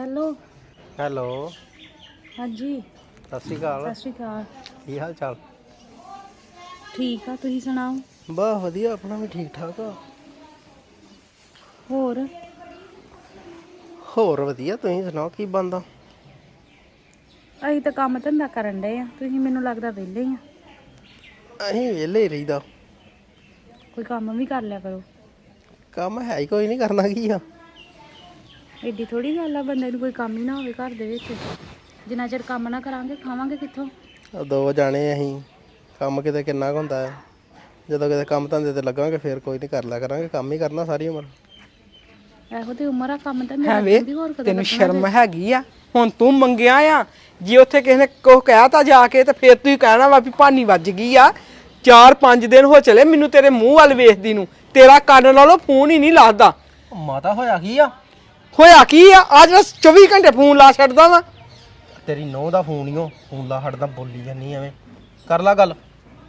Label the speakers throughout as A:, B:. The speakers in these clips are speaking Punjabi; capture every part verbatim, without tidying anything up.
A: Hello
B: hello.
A: हाँ जी
B: सत श्री अकाल।
A: सत श्री अकाल।
B: की हाल चाल?
A: ठीक आ, तुसीं सुनाओ?
B: बस वधिया, अपना भी ठीक ठाक आ।
A: होर
B: होर वधिया, तुसीं सुनाओ की बनदा?
A: ਅਸੀਂ ਤਾਂ ਕੰਮ ਧੰਦਾ ਕਰਨ ਡਏ ਆ, ਤੁਸੀਂ ਮੈਨੂੰ ਲੱਗਦਾ ਵਿਹਲੇ ਹੀ ਆ।
B: ਅਸੀਂ ਵਿਹਲੇ ਹੀ ਰਹੀਦਾ।
A: ਕੋਈ ਕੰਮ ਵੀ ਕਰ ਲਿਆ ਕਰੋ।
B: ਕੰਮ ਹੈ ਹੀ ਕੋਈ ਨਹੀਂ, ਕਰਨਾ ਕੀ ਆ।
A: ਏਡੀ ਥੋੜੀ ਗੱਲ ਆ ਬੰਦੇ ਨੂੰ ਕੋਈ ਕੰਮ ਹੀ ਨਾ ਹੋਵੇ ਘਰ ਦੇ ਵਿੱਚ। ਜਿੰਨਾ ਚਿਰ ਕੰਮ ਨਾ ਕਰਾਂਗੇ ਖਾਵਾਂਗੇ ਕਿੱਥੋਂ?
B: ਦੋ ਜਾਣੇ ਅਸੀਂ, ਕੰਮ ਕਿਤੇ ਕਿੰਨਾ ਕੁ ਹੁੰਦਾ ਹੈ। ਜਦੋਂ ਕਿਤੇ ਕੰਮ ਧੰਦੇ ਤੇ ਲੱਗਾਂਗੇ ਫਿਰ ਕੋਈ ਨਹੀਂ, ਕਰ ਲਿਆ ਕਰਾਂਗੇ। ਕੰਮ ਹੀ ਕਰਨਾ ਸਾਰੀ ਉਮਰ।
A: ਇਹੋ ਤੇ ਉਮਰ ਆ ਕੰਮ ਧੰਦੇ
C: ਹੈ ਵੇ
A: ਲੱਗਣ ਦੀ, ਹੋਰ ਕਦੋਂ
C: ਤੈਨੂੰ
A: ਲੱਗਣਾ
C: ਸ਼ਰਮ
A: ਜੇ?
C: ਹੈਗੀ ਆ? ਹੁਣ ਤੂੰ ਮੰਗਿਆ ਆ, ਜੇ ਉੱਥੇ ਕਿਸੇ ਨੇ ਕੁਛ ਕਹਿਤਾ ਜਾ ਕੇ ਤੇ ਫਿਰ ਤੂੰ ਕਹਿਣਾ ਵਾ ਵੀ ਭਾਨੀ ਵੱਜ ਗਈ ਆ। ਚਾਰ ਪੰਜ ਦਿਨ ਹੋ ਚਲੇ ਮੈਨੂੰ ਤੇਰੇ ਮੂੰਹ ਵੱਲ ਵੇਖਦੀ ਨੂੰ, ਤੇਰਾ ਕੰਨ ਨਾਲੋਂ ਫੋਨ ਹੀ ਨਹੀਂ ਲੱਗਦਾ।
B: ਮਾਤਾ ਹੋਇਆ ਕੀ ਆ?
C: ਹੋਇਆ ਕੀ ਆ? ਅੱਜ ਮੈਂ ਚੌਵੀ ਘੰਟੇ ਫੋਨ ਲਾ ਛੱਡਦਾ ਵਾ।
B: ਤੇਰੀ ਨੂੰਹ ਦਾ ਫੋਨ ਹੀ ਓ, ਫੋਨ ਲਾ ਹਟਦਾ, ਬੋਲੀ ਜਾਨੀ ਐਵੇਂ। ਕਰ ਲਾ ਗੱਲ।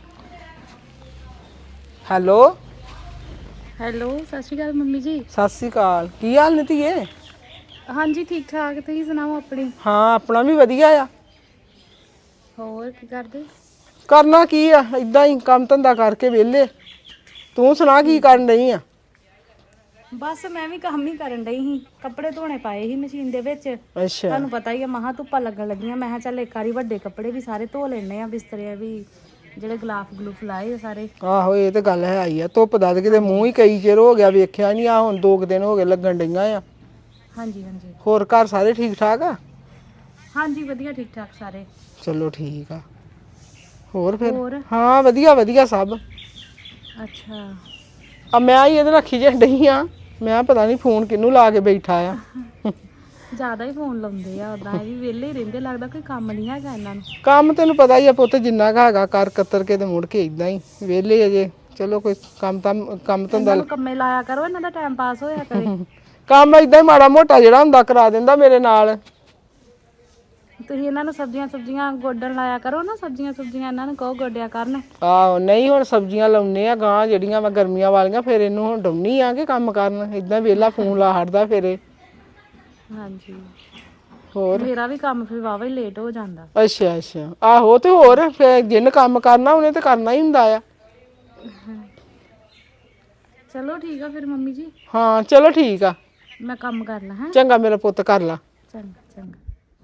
C: ਹੈਲੋ
A: ਹੈਲੋ ਸਤਿ ਸ਼੍ਰੀ ਅਕਾਲ ਮੰਮੀ ਜੀ।
C: ਸਤਿ ਸ੍ਰੀ ਅਕਾਲ। ਕੀ ਹਾਲ ਨੇ ਧੀਏ?
A: ਹਾਂਜੀ ਠੀਕ ਠਾਕ, ਤੁਸੀਂ ਸੁਣਾਓ ਆਪਣੀ?
C: ਹਾਂ ਆਪਣਾ ਵੀ ਵਧੀਆ ਆ।
A: ਹੋਰ ਕੀ ਕਰਦੇ?
C: ਕਰਨਾ ਕੀ ਆ, ਇਦਾਂ ਹੀ ਕੰਮ ਧੰਦਾ ਕਰਕੇ ਵਿਹਲੇ। ਤੂੰ ਸੁਣਾ ਕੀ ਕਰਨ ਡਈ ਆ?
A: ਬਸ ਮੈਂ ਵੀ ਕੰਮ ਹੀ ਕਰਨ ਡਈ ਸੀ, ਕੱਪੜੇ ਧੋਣੇ ਪਾਏ ਸੀ ਮਸ਼ੀਨ ਦੇ ਵਿੱਚ।
C: ਅੱਛਾ
A: ਤੁਹਾਨੂੰ ਪਤਾ ਹੀ ਆ, ਮਹਾਂ ਧੁੱਪਾਂ ਲੱਗਣ ਲੱਗੀਆਂ। ਮੈਂ ਕਿਹਾ ਚੱਲ ਇੱਕ ਵਾਰੀ ਵੱਡੇ ਕੱਪੜੇ ਵੀ ਸਾਰੇ ਧੋ ਲੈਣੇ ਆ, ਬਿਸਤਰੇ ਵੀ ਜਿਹੜੇ ਗਲਾਫ ਗਲੂਫ ਲਾਏ ਆ ਸਾਰੇ।
C: ਆਹੋ ਇਹ ਤੇ ਗੱਲ ਹੈ ਹੀ ਆ। ਧੁੱਪ ਦਾ ਤੇ ਕਿਤੇ ਮੂੰਹ ਹੀ ਕਈ ਚਿਰ ਹੋ ਗਿਆ ਵੇਖਿਆ ਨਹੀਂ ਆ। ਹੁਣ ਦੋ ਕੁ ਦਿਨ ਹੋ ਗਏ ਲੱਗਣ ਡਈਆਂ ਆ।
A: ਹਾਂਜੀ ਹਾਂਜੀ
C: ਹੋਰ ਘਰ ਸਾਰੇ ਠੀਕ ਠਾਕ ਆ?
A: ਹਾਂਜੀ ਵਧੀਆ ਠੀਕ ਠਾਕ ਸਾਰੇ।
C: ਚਲੋ ਠੀਕ ਆ। ਹੋਰ ਫਿਰ?
A: ਹੋਰ
C: ਹਾਂ ਵਧੀਆ ਵਧੀਆ ਸਭ।
A: ਅੱਛਾ
C: ਆ ਮੈਂ ਹੀ ਇਹਦੇ ਨਾਲ ਖਿਜਣ ਡਈ ਆ। ਮੈਂ ਪਤਾ ਨਹੀਂ ਫੋਨ ਕਿਹਨੂੰ ਲਾ ਕੇ ਬੈਠਾ ਆ।
A: ਜ਼ਿਆਦਾ ਹੀ ਫੋਨ ਲਾਉਂਦੇ ਆ, ਉਦਾਂ ਇਹ ਵੀ ਵਿਹਲੇ ਹੀ ਰਹਿੰਦੇ, ਲੱਗਦਾ ਕੋਈ ਕੰਮ ਨਹੀਂ ਹੈਗਾ ਇਹਨਾਂ ਨੂੰ।
C: ਕੰਮ ਤੈਨੂੰ ਪਤਾ ਹੀ ਆ ਪੁੱਤ, ਜਿੰਨਾ ਕੁ ਹੈਗਾ ਕਰ ਕਤਰ ਕੇ ਤੇ ਮੁੜ ਕੇ ਇਦਾਂ ਹੀ ਵਿਹਲੇ ਅਜੇ। ਚਲੋ ਕੋਈ ਕੰਮ ਤਾਂ ਕੰਮ ਧੰਦਾ
A: ਇਹਨਾਂ ਨੂੰ ਕੰਮੇ ਲਾਇਆ ਕਰੋ, ਇਹਨਾਂ ਦਾ ਟਾਈਮ ਪਾਸ ਹੋਇਆ ਕਰੇ।
C: ਕੰਮ ਏਦਾਂ ਹੀ ਮਾੜਾ ਮੋਟਾ ਜਿਹੜਾ ਹੁੰਦਾ ਕਰਾ ਦਿੰਦਾ ਮੇਰੇ ਨਾਲ।
A: ਤੁਸੀਂ ਇਹਨਾਂ ਨੂੰ ਸਬਜ਼ੀਆਂ ਸੁਬਜ਼ੀਆਂ ਗੋਡਣ ਲਾਇਆ ਕਰੋ ਨਾ, ਸਬਜ਼ੀਆਂ ਸੁਬਜ਼ੀਆਂ ਇਹਨਾਂ ਨੂੰ ਕਹੋ ਗੋਡਿਆ ਕਰਨ।
C: ਆਹੋ ਨਹੀਂ ਹੁਣ ਸਬਜ਼ੀਆਂ ਲਾਉਨੇ ਆ ਗਾਂ ਜਿਹੜੀਆਂ ਵਾ ਗਰਮੀਆਂ ਵਾਲੀਆਂ, ਫਿਰ ਇਹਨੂੰ ਹੁਣ ਡਾਉਣੀ ਆ ਕਿ ਕੰਮ ਕਰਨ। ਏਦਾਂ ਵਿਹਲਾ ਫੋਨ ਲਾ ਹਟਦਾ ਫਿਰ ਇਹ।
A: ਹਾਂਜੀ
C: ਹੋਰ
A: ਮੇਰਾ ਵੀ ਕੰਮ ਫਿਰ ਵਾਵਾ ਹੀ ਲੇਟ ਹੋ ਜਾਂਦਾ।
C: ਅੱਛਾ ਅੱਛਾ ਆਹੋ ਤੇ ਹੋਰ ਫਿਰ ਜਿਹਨੇ ਕੰਮ ਕਰਨਾ ਉਹਨੇ ਤੇ ਕਰਨਾ ਹੀ ਹੁੰਦਾ ਆ।
A: ਚਲੋ ਠੀਕ ਆ ਫਿਰ ਮੰਮੀ ਜੀ।
C: ਹਾਂ ਚਲੋ ਠੀਕ ਆ।
A: ਮੈਂ ਕੰਮ ਕਰ ਲਾਂ। ਹੈਂ
C: ਚੰਗਾ ਮੇਰਾ ਪੁੱਤ, ਕਰ ਲਾ।
A: ਚੰਗਾ ਚੰਗਾ।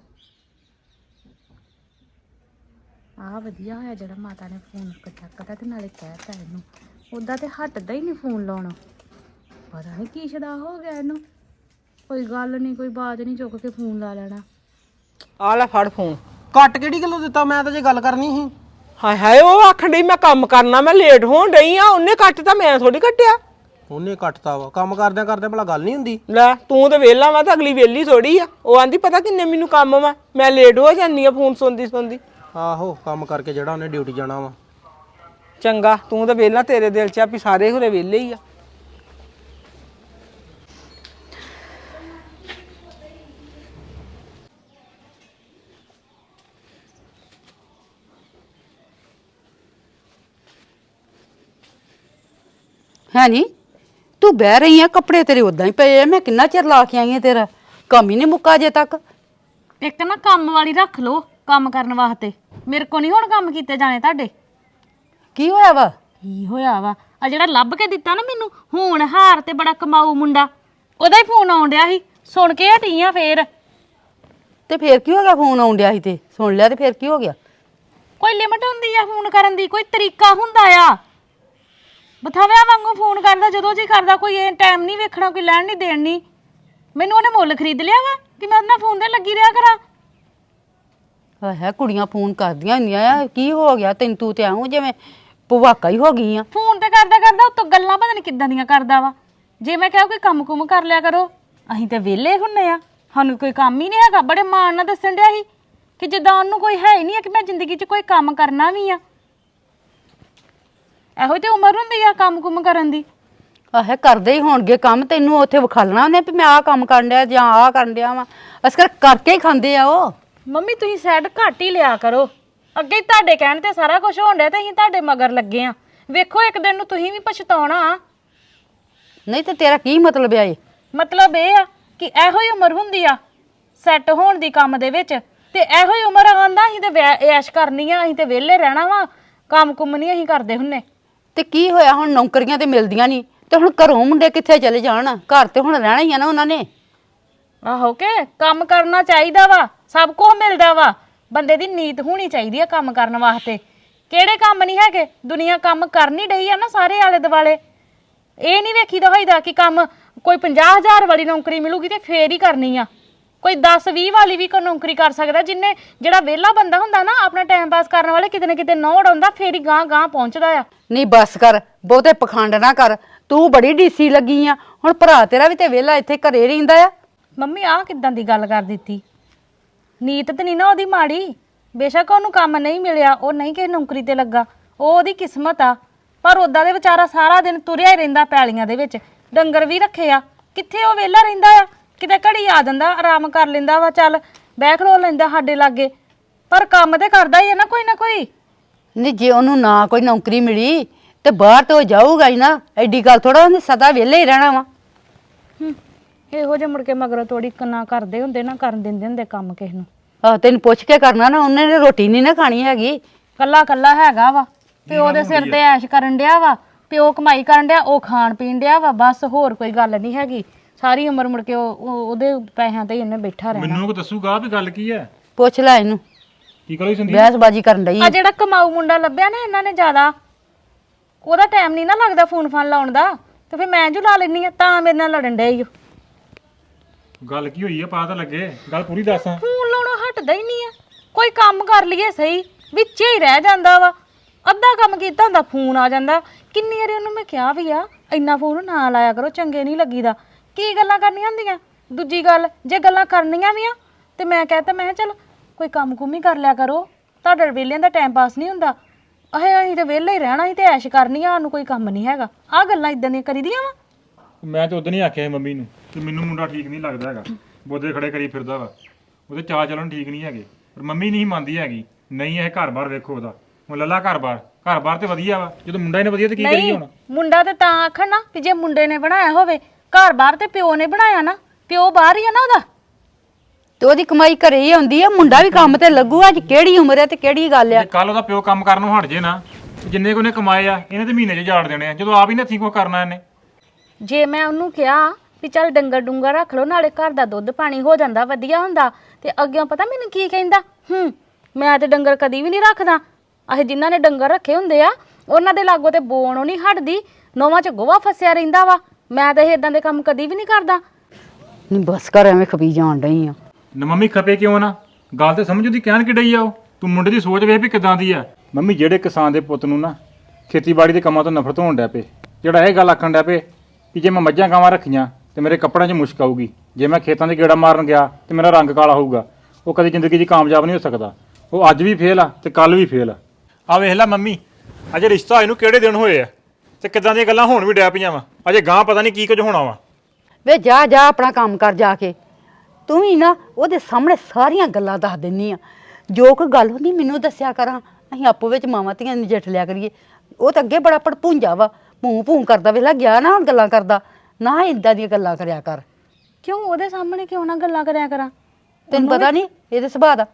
A: ਆਹ ਵਧੀਆ ਹੋਇਆ ਜਿਹੜਾ ਮਾਤਾ ਨੇ ਫੋਨ ਚੱਕਦਾ ਤੇ ਨਾਲੇ ਕਹਿਤਾ ਇਹਨੂੰ। ਉੱਦਾਂ ਤੇ ਹਟਦਾ ਹੀ ਨਹੀਂ ਫੋਨ ਲਾਉਣਾ। ਪਤਾ ਨਹੀਂ ਕੀ ਸ਼ਦਾ ਹੋ ਗਿਆ ਇਹਨੂੰ। ਕੋਈ ਗੱਲ ਨਹੀਂ ਕੋਈ ਬਾਤ ਨਹੀਂ, ਚੁੱਕ ਕੇ ਫੋਨ ਲਾ ਲੈਣਾ।
C: ਆ ਲੈ ਫੜ ਫੋਨ।
B: ਕੱਟ ਕਿਹੜੀ ਗੱਲੋਂ ਦਿੱਤਾ? ਮੈਂ ਤਾਂ ਜੇ ਗੱਲ ਕਰਨੀ ਸੀ।
C: ਹਾਏ ਹਾਏ ਉਹ ਆਖਣ ਡਈ ਮੈਂ ਕੰਮ ਕਰਨਾ, ਮੈਂ ਲੇਟ ਹੋਣ ਡਈ ਆ। ਉਹਨੇ ਕੱਟਤਾ, ਮੈਂ ਥੋੜੀ ਕੱਟਿਆ।
B: ਉਹਨੇ ਕੱਟਤਾ ਵਾ। ਕੰਮ ਕਰਦਿਆਂ ਕਰਦਿਆਂ ਭਲਾ ਗੱਲ ਨਹੀਂ ਹੁੰਦੀ?
C: ਲੈ ਤੂੰ ਤੇ ਵਿਹਲਾ ਵਾ ਤੇ ਅਗਲੀ ਵਿਹਲੀ ਥੋੜੀ ਆ। ਉਹ ਆਂਦੀ ਪਤਾ ਕਿੰਨੇ ਮੈਨੂੰ ਕੰਮ ਵਾ, ਮੈਂ ਲੇਟ ਹੋ ਜਾਂਦੀ ਆ ਫੋਨ ਸੁਣਦੀ ਸੁਣਦੀ।
B: ਆਹੋ ਕੰਮ ਕਰਕੇ ਜਿਹੜਾ ਉਹਨੇ ਡਿਊਟੀ ਜਾਣਾ ਵਾ।
C: ਚੰਗਾ ਤੂੰ ਤਾਂ ਵਿਹਲਾ, ਤੇਰੇ ਦਿਲ 'ਚ ਆ ਵੀ ਸਾਰੇ ਹੁਰੇ ਵਿਹਲੇ ਹੀ ਆ।
D: ਹੈ ਨੀ ਤੂੰ ਬਹਿ ਰਹੀ ਆ, ਕੱਪੜੇ ਤੇਰੇ ਉਦਾਂ ਹੀ ਪਏ ਆ। ਮੈਂ ਕਿੰਨਾ ਚਿਰ ਲਾ ਕੇ ਆਈ ਆ, ਤੇਰਾ ਕੰਮ ਹੀ ਨਹੀਂ ਮੁੱਕਾ ਅਜੇ ਤੱਕ।
A: ਇੱਕ ਨਾ ਕੰਮ ਵਾਲੀ ਰੱਖ ਲਓ ਕੰਮ ਕਰਨ ਵਾਸਤੇ। ਮੇਰੇ ਕੋ ਨਹੀਂ ਹੁਣ ਕੰਮ ਕੀਤੇ ਜਾਣੇ ਤੁਹਾਡੇ।
D: ਕੀ ਹੋਇਆ ਵਾ?
A: ਕੀ ਹੋਇਆ ਵਾ? ਆ ਜਿਹੜਾ ਲੱਭ ਕੇ ਦਿੱਤਾ ਨਾ ਮੈਨੂੰ ਹੁਣ ਹਾਰ ਤੇ ਬੜਾ ਕਮਾਊ ਮੁੰਡਾ, ਉਹਦਾ ਹੀ ਫੋਨ ਆਉਣ ਡਿਆ ਸੀ। ਸੁਣ ਕੇ ਹਟੀ ਆ ਫੇਰ।
D: ਤੇ ਫੇਰ ਕੀ ਹੋ ਗਿਆ? ਫੋਨ ਆਉਣ ਡਿਆ ਸੀ ਤੇ ਸੁਣ ਲਿਆ ਤੇ ਫੇਰ ਕੀ ਹੋ ਗਿਆ?
A: ਕੋਈ ਲਿਮਟ ਹੁੰਦੀ ਆ ਫੋਨ ਕਰਨ ਦੀ, ਕੋਈ ਤਰੀਕਾ ਹੁੰਦਾ ਆ। ਬਥਾਵਿਆਂ ਵਾਂਗੂ ਫੋਨ ਕਰਦਾ ਜਦੋਂ ਜੀ ਕਰਦਾ, ਕੋਈ ਇਹ ਟਾਈਮ ਨਹੀਂ ਵੇਖਣਾ, ਕੋਈ ਲੈਣ ਨਹੀਂ ਦੇਣ ਨਹੀਂ। ਮੈਨੂੰ ਉਹਨੇ ਮੁੱਲ ਖਰੀਦ ਲਿਆ ਵਾ ਕਿ ਮੈਂ ਉਹਦੇ ਨਾਲ ਫੋਨ ਤੇ ਲੱਗੀ ਰਿਹਾ ਕਰਾਂ।
D: ਹੈ ਕੁੜੀਆਂ ਫੋਨ ਕਰਦੀਆਂ ਹੁੰਦੀਆਂ ਆ। ਕੀ ਹੋ ਗਿਆ ਤੈਨੂੰ? ਤੂੰ ਤੇ ਆਉਂ ਜਿਵੇਂ ਭਵਾਕਾ ਹੀ ਹੋ ਗਈ ਆ।
A: ਫੋਨ ਤੇ ਕਰਦਾ ਕਰਦਾ ਉੱਤੋਂ ਗੱਲਾਂ ਪਤਾ ਨਹੀਂ ਕਿੱਦਾਂ ਦੀਆਂ ਕਰਦਾ ਵਾ। ਜੇ ਮੈਂ ਕਿਹਾ ਕੋਈ ਕੰਮ ਕੁਮ ਕਰ ਲਿਆ ਕਰੋ, ਅਸੀਂ ਤੇ ਵਿਹਲੇ ਹੁੰਨੇ ਆ, ਸਾਨੂੰ ਕੋਈ ਕੰਮ ਹੀ ਨਹੀਂ ਹੈਗਾ। ਬੜੇ ਮਾਣ ਨਾਲ ਦੱਸਣ ਡਿਆ ਸੀ ਕਿ ਜਿੱਦਾਂ ਉਹਨੂੰ ਕੋਈ ਹੈ ਹੀ ਨਹੀਂ ਕਿ ਮੈਂ ਜ਼ਿੰਦਗੀ 'ਚ ਕੋਈ ਕੰਮ ਕਰਨਾ ਵੀ ਆ। ਇਹੋ ਤੇ ਉਮਰ ਹੁੰਦੀ ਆ ਕੰਮ ਕੁਮ ਕਰਨ ਦੀ।
D: ਆਹੇ ਕਰਦੇ ਹੀ ਹੋਣਗੇ ਕੰਮ। ਤੈਨੂੰ ਉੱਥੇ ਵਿਖਾਲਣਾ ਉਹਨੇ ਵੀ ਮੈਂ ਆਹ ਕੰਮ ਕਰਨ ਡਿਆ ਜਾਂ ਆਹ ਕਰਨ ਡਿਆ ਵਾ। ਅਸਕਰ ਕਰਕੇ ਹੀ ਖਾਂਦੇ ਆ ਉਹ।
A: ਮੰਮੀ ਤੁਸੀਂ ਸਾਈਡ ਘੱਟ ਹੀ ਲਿਆ ਕਰੋ। ਅੱਗੇ ਤੁਹਾਡੇ ਕਹਿਣ ਤੇ ਸਾਰਾ ਕੁਝ ਹੋਣ ਡਿਆ ਤੇ ਅਸੀਂ ਤੁਹਾਡੇ ਮਗਰ ਲੱਗੇ ਆ। ਵੇਖੋ ਇੱਕ ਦਿਨ ਨੂੰ ਤੁਸੀਂ ਵੀ ਪਛਤਾਉਣਾ।
D: ਨਹੀਂ ਤੇ ਤੇਰਾ ਕੀ ਮਤਲਬ ਆ? ਇਹ
A: ਮਤਲਬ ਇਹ ਆ ਕਿ ਇਹੋ ਹੀ ਉਮਰ ਹੁੰਦੀ ਆ, ਸੈੱਟ ਹੋਣ ਦੀ ਕੰਮ ਦੇ ਵਿੱਚ ਤੇ ਇਹੋ ਹੀ ਉਮਰ ਆਂਦਾ ਅਸੀਂ ਤੇ ਵਿਆਹ- ਐਸ਼ ਕਰਨੀ ਆ, ਅਸੀਂ ਤੇ ਵਿਹਲੇ ਰਹਿਣਾ ਵਾ, ਕੰਮ ਕੁੰਮ ਨਹੀਂ ਅਸੀਂ ਕਰਦੇ ਹੁੰਨੇ।
D: ਤੇ ਕੀ ਹੋਇਆ ਹੁਣ ਨੌਕਰੀਆਂ ਤੇ ਮਿਲਦੀਆਂ ਨਹੀਂ ਤੇ ਹੁਣ ਘਰੋਂ ਮੁੰਡੇ ਕਿੱਥੇ ਚਲੇ ਜਾਣ? ਘਰ ਤੇ ਹੁਣ ਰਹਿਣਾ ਹੀ ਆ ਨਾ ਉਹਨਾਂ ਨੇ।
A: ਆਹੋ ਕੇ ਕੰਮ ਕਰਨਾ ਚਾਹੀਦਾ ਵਾ, ਸਭ ਕੁਝ ਮਿਲਦਾ ਵਾ, ਬੰਦੇ ਦੀ ਨੀਤ ਹੋਣੀ ਚਾਹੀਦੀ ਆ ਕੰਮ ਕਰਨ ਵਾਸਤੇ। ਕਿਹੜੇ ਕੰਮ ਨਹੀਂ ਹੈਗੇ, ਦੁਨੀਆ ਕੰਮ ਕਰ ਨਹੀਂ ਡਈ ਆ ਨਾ ਸਾਰੇ ਆਲੇ ਦੁਆਲੇ। ਇਹ ਨਹੀਂ ਵੇਖੀਦਾ ਹੋਈਦਾ ਕਿ ਕੰਮ ਕੋਈ ਪੰਜਾਹ ਹਜ਼ਾਰ ਵਾਲੀ ਨੌਕਰੀ ਮਿਲੂਗੀ ਤੇ ਫੇਰ ਹੀ ਕਰਨੀ ਆ, ਕੋਈ ਦਸ ਵੀਹ ਵਾਲੀ ਵੀ ਕੋਈ ਨੌਕਰੀ ਕਰ ਸਕਦਾ। ਜਿੰਨੇ ਜਿਹੜਾ ਵਿਹਲਾ ਬੰਦਾ ਹੁੰਦਾ ਨਾ ਆਪਣਾ ਟਾਈਮ ਪਾਸ ਕਰਨ ਵਾਲੇ ਕਿਤੇ ਨਾ ਕਿਤੇ ਨੌੜ ਆਉਂਦਾ ਫੇਰ ਹੀ ਗਾਂ ਗਾਂ ਪਹੁੰਚਦਾ ਆ।
D: ਨਹੀਂ ਬਸ ਕਰ, ਬਹੁਤੇ ਪਖੰਡ ਨਾ ਕਰ, ਤੂੰ ਬੜੀ ਡੀਸੀ ਲੱਗੀ ਆ। ਹੁਣ ਭਰਾ ਤੇਰਾ ਵੀ ਤੇ ਵਿਹਲਾ ਇੱਥੇ ਘਰੇ ਰਹਿੰਦਾ ਆ।
A: ਮੰਮੀ ਆਹ ਕਿੱਦਾਂ ਦੀ ਗੱਲ ਕਰ ਦਿੱਤੀ? ਨੀਤ ਤੇ ਨਹੀਂ ਨਾ ਉਹਦੀ ਮਾੜੀ, ਬੇਸ਼ੱਕ ਉਹਨੂੰ ਕੰਮ ਨਹੀਂ ਮਿਲਿਆ, ਉਹ ਨਹੀਂ ਕਿਸੇ ਨੌਕਰੀ ਤੇ ਲੱਗਾ, ਉਹ ਉਹਦੀ ਕਿਸਮਤ ਆ। ਪਰ ਉਦਾਂ ਦੇ ਵਿਚਾਰਾ ਸਾਰਾ ਦਿਨ ਤੁਰਿਆ ਹੀ ਰਹਿੰਦਾ ਪੈਲੀਆਂ ਦੇ ਵਿੱਚ, ਡੰਗਰ ਵੀ ਰੱਖੇ ਆ, ਕਿੱਥੇ ਉਹ ਵਿਹਲਾ ਰਹਿੰਦਾ ਆ? ਕਿਤੇ ਘੜੀ ਆ ਜਾਂਦਾ, ਆਰਾਮ ਕਰ ਲੈਂਦਾ ਵਾ, ਚੱਲ ਬਹਿ ਖਲੋ ਲੈਂਦਾ ਸਾਡੇ ਲਾਗੇ, ਪਰ ਕੰਮ ਤੇ ਕਰਦਾ ਹੀ ਹੈ ਨਾ ਕੋਈ ਨਾ ਕੋਈ।
D: ਨਹੀਂ ਜੇ ਉਹਨੂੰ ਨਾ ਕੋਈ ਨੌਕਰੀ ਮਿਲੀ ਤੇ ਬਾਹਰ ਤੋਂ ਜਾਊਗਾ ਹੀ ਨਾ, ਐਡੀ ਗੱਲ ਥੋੜਾ ਉਹਨੇ ਸਦਾ ਵਿਹਲੇ ਹੀ ਰਹਿਣਾ ਵਾ।
A: ਇਹੋ ਜਿਹੇ ਮੁੜ ਕੇ ਮਗਰੋਂ ਤੋੜੀ ਨਾ ਕਰਦੇ ਹੁੰਦੇ, ਨਾ ਕਰਨ ਦਿੰਦੇ ਹੁੰਦੇ ਕੰਮ ਕਿਸੇ ਨੂੰ।
D: ਆਹ ਤੈਨੂੰ ਪੁੱਛ ਕੇ ਕਰਨਾ ਨਾ, ਉਹਨੇ ਨੇ ਰੋਟੀ ਨਹੀਂ ਨਾ ਖਾਣੀ ਹੈਗੀ।
A: ਕੱਲਾ ਕੱਲਾ ਹੈਗਾ ਵਾ, ਪਿਓ ਦੇ ਸਿਰ ਤੇ ਐਸ਼ ਕਰਨ ਡਿਆ ਵਾ, ਪਿਓ ਕਮਾਈ ਕਰਨ ਡਿਆ, ਉਹ ਖਾਣ ਪੀਣ ਡਿਆ ਵਾ, ਬਸ ਹੋਰ ਕੋਈ ਗੱਲ ਨਹੀਂ ਹੈਗੀ। ਸਾਰੀ ਉਮਰ ਮੁੜ ਕੇ ਉਹ ਉਹਦੇ ਪੈਸਿਆਂ ਤੇ ਇਹਨੇ ਬੈਠਾ ਰਹਿਣਾ।
E: ਮੈਨੂੰ ਕੋ ਦੱਸੂਗਾ ਵੀ ਗੱਲ ਕੀ ਹੈ?
D: ਪੁੱਛ ਲੈ ਇਹਨੂੰ,
E: ਕੀ ਕਰੀ ਸੰਦੀਪ?
D: ਬਹਿਸਬਾਜੀ ਕਰਨ ਡਈ
A: ਆ ਜਿਹੜਾ ਕਮਾਊ ਮੁੰਡਾ ਲੱਭਿਆ ਨਾ ਇਹਨਾਂ ਨੇ ਜ਼ਿਆਦਾ, ਉਹਦਾ ਟਾਈਮ ਨਹੀਂ ਨਾ ਲੱਗਦਾ ਫੋਨ ਫਾਨ ਲਾਉਣ ਦਾ, ਤੇ ਫਿਰ ਮੈਂ ਜੂ ਲਾ ਲੈਣੀ ਆ, ਤਾਂ ਮੇਰੇ ਨਾਲ ਲੜਨ ਡਿਆ ਈ ਓ।
E: ਗੱਲ ਕੀ ਹੋਈ ਹੈ? ਪਤਾ ਤਾਂ ਲੱਗੇ, ਗੱਲ ਪੂਰੀ ਦੱਸ।
A: ਫੋਨ ਲਾਉਣੋਂ ਹਟਦਾ ਹੀ ਨਹੀਂ ਆ, ਕੋਈ ਕੰਮ ਕਰ ਲਈਏ ਸਹੀ ਵਿੱਚ ਹੀ ਰਹਿ ਜਾਂਦਾ ਵਾ, ਅੱਧਾ ਕੰਮ ਕੀਤਾ ਹੁੰਦਾ ਫੋਨ ਆ ਜਾਂਦਾ। ਕਿੰਨੀ ਵਾਰੀ ਉਹਨੂੰ ਮੈਂ ਕਿਹਾ ਵੀ ਆ ਇੰਨਾ ਫੋਨ ਨਾ ਲਾਇਆ ਕਰੋ, ਚੰਗੇ ਨਹੀਂ ਲੱਗੀਦਾ, ਕੀ ਗੱਲਾਂ ਕਰਨੀਆਂ ਹੁੰਦੀਆਂ। ਦੂਜੀ ਗੱਲ ਜੇ ਗੱਲਾਂ ਕਰਨੀਆਂ ਵੀ ਆ ਤੇ ਮੈਂ ਕਹਤਾ, ਮੈਂ ਕਿਹਾ ਚੱਲ ਕੋਈ ਕੰਮ ਕੁੰਮ ਹੀ ਕਰ ਲਿਆ ਕਰੋ, ਤੁਹਾਡੇ ਵਿਹਲਿਆਂ ਦਾ ਟਾਈਮ ਪਾਸ ਨਹੀਂ ਹੁੰਦਾ। ਅਹੇ ਅਸੀਂ ਤੇ ਵਿਹਲੇ ਹੀ ਰਹਿਣਾ, ਅਸੀਂ ਤੇ ਐਸ਼ ਕਰਨੀ ਆ, ਸਾਨੂੰ ਕੋਈ ਕੰਮ ਨਹੀਂ ਹੈਗਾ। ਆਹ ਗੱਲਾਂ ਇਦਾਂ ਦੀਆਂ ਕਰੀਦੀਆਂ ਵਾ।
E: ਮੈਂ ਤਾਂ ਉਦੋਂ ਹੀ ਆਖਿਆ ਸੀ ਮੰਮੀ ਨੂੰ ਕਿ ਮੈਨੂੰ ਮੁੰਡਾ ਠੀਕ ਨਹੀਂ ਲੱਗਦਾ ਹੈਗਾ, ਬੋਦੇ ਖੜੇ ਕਰੀ ਫਿਰਦਾ ਵਾ, ਉਹਦੇ ਚਾਹ ਚੱਲਣ ਠੀਕ ਨਹੀਂ ਹੈਗੇ। ਪਰ ਮੰਮੀ ਨਹੀਂ ਮੰਨਦੀ ਹੈਗੀ, ਨਹੀਂ ਇਹ ਘਰ-ਬਾਰ ਵੇਖੋ ਉਹਦਾ, ਹੁਣ ਲੱਲਾ ਘਰ-ਬਾਰ, ਘਰ-ਬਾਰ ਤੇ ਵਧੀਆ ਵਾ, ਜਦੋਂ ਮੁੰਡਾ ਹੀ ਨੇ ਵਧੀਆ ਤੇ ਕੀ ਕਰੀਏ ਹੁਣ?
A: ਮੁੰਡਾ ਤੇ ਤਾਂ ਆਖਣ ਨਾ ਕਿ ਜੇ ਮੁੰਡੇ ਨੇ ਬਣਾਇਆ ਹੋਵੇ ਘਰ ਬਾਹਰ, ਤੇ ਪਿਓ ਨੇ ਬਣਾਇਆ ਨਾ, ਪਿਓ ਬਾਹਰ ਹੀ ਆ ਨਾ ਉਹਦਾ,
D: ਤੇ ਉਹਦੀ ਕਮਾਈ ਘਰੇ ਹੀ ਆਉਂਦੀ ਆ। ਮੁੰਡਾ ਵੀ ਕੰਮ ਤੇ ਲੱਗੂ, ਅੱਜ ਕਿਹੜੀ ਉਮਰ ਹੈ ਤੇ ਕਿਹੜੀ ਗੱਲ ਆ।
E: ਕੱਲ ਉਹਦਾ ਪਿਓ ਕੰਮ ਕਰਨ ਨੂੰ ਹਟ ਜੇ ਨਾ, ਜਿੰਨੇ ਕੋ ਨੇ ਕਮਾਏ ਆ ਇਹਨੇ ਤੇ ਮਹੀਨੇ 'ਚ ਝਾੜ ਦੇਣੇ ਆ, ਜਦੋਂ ਆਪ ਹੀ ਨੱਥੀ ਕੋ ਕਰਨਾ ਇਹਨੇ।
A: ਜੇ ਮੈਂ ਉਹਨੂੰ ਕਿਹਾ ਵੀ ਚੱਲ ਡੰਗਰ ਡੁੰਗਰ ਰੱਖ ਲਓ, ਨਾਲੇ ਘਰ ਦਾ ਦੁੱਧ ਪਾਣੀ ਹੋ ਜਾਂਦਾ, ਵਧੀਆ ਹੁੰਦਾ, ਤੇ ਅੱਗੇ ਪਤਾ ਮੈਨੂੰ ਕੀ ਕਹਿੰਦਾ, ਹੂੰ ਮੈਂ ਤੇ ਡੰਗਰ ਕਦੀ ਵੀ ਨਹੀਂ ਰੱਖਦਾ, ਆਹ ਜਿਨ੍ਹਾਂ ਨੇ ਡੰਗਰ ਰੱਖੇ ਹੁੰਦੇ ਆ ਉਹਨਾਂ ਦੇ ਲਾਗੋਂ ਤੇ ਬੋਣੋਂ ਨਹੀਂ ਹਟਦੀ, ਨੋਵਾਂ 'ਚ ਗੋਹਾ ਫਸਿਆ ਰਹਿੰਦਾ ਵਾ, ਮੈਂ ਤਾਂ ਇਹ ਇਦਾਂ ਦੇ ਕੰਮ ਕਦੀ ਵੀ ਨਹੀਂ ਕਰਦਾ।
D: ਨਹੀਂ ਬਸ ਕਰ, ਐਵੇਂ ਖਪੀ ਜਾਣ ਡਈ ਆ।
E: ਨਾ ਮੰਮੀ ਖਪੇ ਕਿਉਂ ਨਾ, ਗੱਲ ਤੇ ਸਮਝ ਉਹਦੀ ਕਹਿਣ ਕਿ ਡਈ ਆ ਉਹ, ਤੂੰ ਮੁੰਡੇ ਦੀ ਸੋਚ ਵੇਖ ਵੀ ਕਿਦਾਂ ਦੀ ਆ। ਮੰਮੀ ਜਿਹੜੇ ਕਿਸਾਨ ਦੇ ਪੁੱਤ ਨੂੰ ਨਾ ਖੇਤੀਬਾੜੀ ਦੇ ਕੰਮਾਂ ਤੋਂ ਨਫ਼ਰਤ ਹੋਣ ਡੈ ਪਏ, ਜਿਹੜਾ ਇਹ ਗੱਲ ਆਖਣ ਡੈ ਪਏ ਕਿ ਜੇ ਮੈਂ ਮੱਝਾਂ ਗਾਵਾਂ ਰੱਖੀਆਂ ਤੇ ਮੇਰੇ ਕੱਪੜਿਆਂ 'ਚ ਮੁਸ਼ਕ ਆਊਗੀ, ਜੇ ਮੈਂ ਖੇਤਾਂ 'ਚ ਗੇੜਾ ਮਾਰਨ ਗਿਆ ਤੇ ਮੇਰਾ ਰੰਗ ਕਾਲਾ ਹੋਊਗਾ, ਉਹ ਕਦੀ ਜ਼ਿੰਦਗੀ 'ਚ ਕਾਮਯਾਬ ਨਹੀਂ ਹੋ ਸਕਦਾ। ਉਹ ਅੱਜ ਵੀ ਫੇਲ ਆ ਤੇ ਕੱਲ ਵੀ ਫੇਲ ਆ। ਆ ਵੇਖ ਲੈ ਮੰਮੀ, ਅਜੇ ਰਿਸ਼ਤਾ ਇਹਨੂੰ ਕਿਹੜੇ ਦਿਨ ਹੋਏ ਆ ਤੇ ਕਿਦਾਂ ਦੀਆਂ ਗੱਲਾਂ ਹੁਣ ਵੀ ਡੈ ਪਈਆਂ ਵਾ, ਅਜੇ ਗਾਂ ਪਤਾ ਨਹੀਂ ਕੀ ਕੁਝ ਹੋਣਾ ਵਾ।
D: ਵੇ ਜਾ ਜਾ ਆਪਣਾ ਕੰਮ ਕਰ ਜਾ ਕੇ, ਤੂੰ ਵੀ ਨਾ ਉਹਦੇ ਸਾਹਮਣੇ ਸਾਰੀਆਂ ਗੱਲਾਂ ਦੱਸ ਦਿੰਨੀ ਆ। ਜੋ ਕੋਈ ਗੱਲ ਹੁੰਦੀ ਮੈਨੂੰ ਦੱਸਿਆ ਕਰਾਂ, ਅਸੀਂ ਆਪੋ ਵਿੱਚ ਮਾਵਾਂ ਧੀਆਂ ਨਜਿੱਠ ਲਿਆ ਕਰੀਏ। ਉਹ ਤਾਂ ਅੱਗੇ ਬੜਾ ਭੜਪੂੰਜਾ ਵਾ, ਭੂੰ ਭੂੰ ਕਰਦਾ, ਵੇਖ ਲੈ ਗਿਆ ਨਾ ਹੁਣ ਗੱਲਾਂ ਕਰਦਾ, ਨਾ ਇਦਾਂ ਦੀਆਂ ਗੱਲਾਂ ਕਰਿਆ ਕਰ।
A: ਕਿਉਂ ਉਹਦੇ ਸਾਹਮਣੇ ਕਿਉਂ ਨਾ ਗੱਲਾਂ ਕਰਿਆ ਕਰਾਂ?
D: ਤੈਨੂੰ ਪਤਾ ਨਹੀਂ ਇਹਦੇ ਸੁਭਾਅ ਦਾ?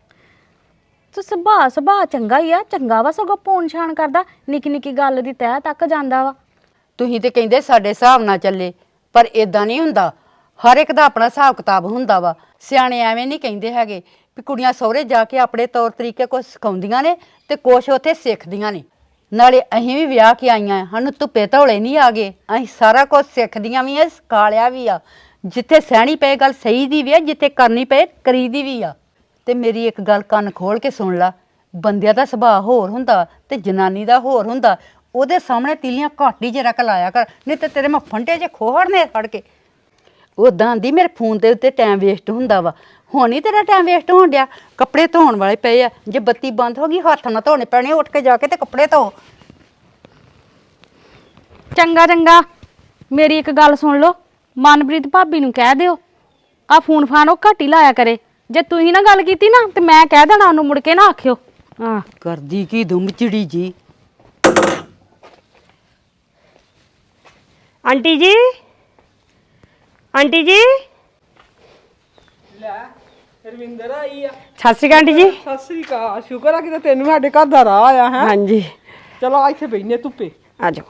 A: ਤੂੰ ਸੁਭਾਅ ਸੁਭਾਅ ਚੰਗਾ ਹੀ ਆ, ਚੰਗਾ ਵਾ, ਸਗੋਂ ਪੌਣ ਛਾਣ ਕਰਦਾ, ਨਿੱਕੀ ਨਿੱਕੀ ਗੱਲ ਦੀ ਤਹਿ ਤੱਕ ਜਾਂਦਾ ਵਾ।
D: ਤੁਸੀਂ ਤੇ ਕਹਿੰਦੇ ਸਾਡੇ ਹਿਸਾਬ ਨਾਲ ਚੱਲੇ, ਪਰ ਇਦਾਂ ਨਹੀਂ ਹੁੰਦਾ, ਹਰ ਇੱਕ ਦਾ ਆਪਣਾ ਹਿਸਾਬ ਕਿਤਾਬ ਹੁੰਦਾ ਵਾ। ਸਿਆਣੇ ਐਵੇਂ ਨਹੀਂ ਕਹਿੰਦੇ ਹੈਗੇ ਵੀ ਕੁੜੀਆਂ ਸਹੁਰੇ ਜਾ ਕੇ ਆਪਣੇ ਤੌਰ ਤਰੀਕੇ ਕੁਛ ਸਿਖਾਉਂਦੀਆਂ ਨੇ ਤੇ ਕੁਛ ਉੱਥੇ ਸਿੱਖਦੀਆਂ ਨੇ। ਨਾਲੇ ਅਸੀਂ ਵੀ ਵਿਆਹ ਕੇ ਆਈਆਂ, ਸਾਨੂੰ ਧੁੱਪੇ ਧੌਲੇ ਨਹੀਂ ਆ ਗਏ, ਅਸੀਂ ਸਾਰਾ ਕੁਝ ਸਿੱਖਦੀਆਂ ਵੀ ਆ, ਸਿਖਾਲਿਆ ਵੀ ਆ। ਜਿੱਥੇ ਸਹਿਣੀ ਪਏ ਗੱਲ ਸਹੀ ਦੀ ਵੀ ਆ, ਜਿੱਥੇ ਕਰਨੀ ਪਏ ਕਰੀ ਦੀ ਵੀ ਆ। ਤੇ ਮੇਰੀ ਇੱਕ ਗੱਲ ਕੰਨ ਖੋਲ ਕੇ ਸੁਣ ਲਾ, ਬੰਦਿਆਂ ਦਾ ਸੁਭਾਅ ਹੋਰ ਹੁੰਦਾ ਤੇ ਜਨਾਨੀ ਦਾ ਹੋਰ ਹੁੰਦਾ। ਉਹਦੇ ਸਾਹਮਣੇ ਤੀਲੀਆਂ ਘੱਟ ਹੀ ਜਰਾ ਕ ਲਾਇਆ ਕਰ, ਨਹੀਂ ਤੇ ਤੇਰੇ ਮੈਂ ਫੰਟੇ 'ਚ ਖੋਹੜਨੇ ਫੜ ਕੇ। ਉਦਾਂ ਆਂਦੀ ਮੇਰੇ ਫੋਨ ਦੇ ਉੱਤੇ ਟਾਈਮ ਵੇਸਟ ਹੁੰਦਾ ਵਾ, ਹੁਣ ਹੀ ਤੇਰਾ ਟਾਈਮ ਵੇਸਟ ਹੋਣ ਡਿਆ। ਕੱਪੜੇ ਧੋਣ ਵਾਲੇ ਪਏ ਆ, ਜੇ ਬੱਤੀ ਬੰਦ ਹੋ ਗਈ ਹੱਥ ਨਾ ਧੋਣੇ ਪੈਣੇ, ਉੱਠ ਕੇ ਜਾ ਕੇ ਤੇ ਕੱਪੜੇ ਧੋ।
A: ਚੰਗਾ ਚੰਗਾ, ਮੇਰੀ ਇੱਕ ਗੱਲ ਸੁਣ ਲਓ, ਮਨਪ੍ਰੀਤ ਭਾਬੀ ਨੂੰ ਕਹਿ ਦਿਓ ਆ ਫੋਨ ਫਾਨ ਉਹ ਘੱਟ ਹੀ ਲਾਇਆ ਕਰੇ। ਜੇ ਤੁਸੀਂ ਨਾ ਗੱਲ ਕੀਤੀ ਨਾ ਤੇ ਮੈਂ ਕਹਿ ਦੇਣਾ ਉਹਨੂੰ, ਮੁੜ ਕੇ ਨਾ ਆਖਿਓ। ਹਾਂ
D: ਕਰਦੀ ਕੀ ਦੁੰਮ ਚਿੜੀ ਜੀ।
F: ਆਂਟੀ ਜੀ, ਆਂਟੀ ਜੀ,
C: ਲੈ ਰਵਿੰਦਰ ਆਈ ਆ।
F: ਸਤਿ ਸ਼੍ਰੀ ਅਕਾਲ ਆਂਟੀ ਜੀ।
C: ਸਤਿ ਸ੍ਰੀ ਅਕਾਲ। ਸ਼ੁਕਰ ਆ ਕਿ ਤੈਨੂੰ ਸਾਡੇ ਘਰ ਦਾ ਰਾਹ ਆਇਆ ਹੈ।
F: ਹਾਂਜੀ
C: ਚਲੋ ਆ ਇੱਥੇ ਬੈਠਨੇ ਧੁੱਪੇ।
F: ਆ ਜਾਓ।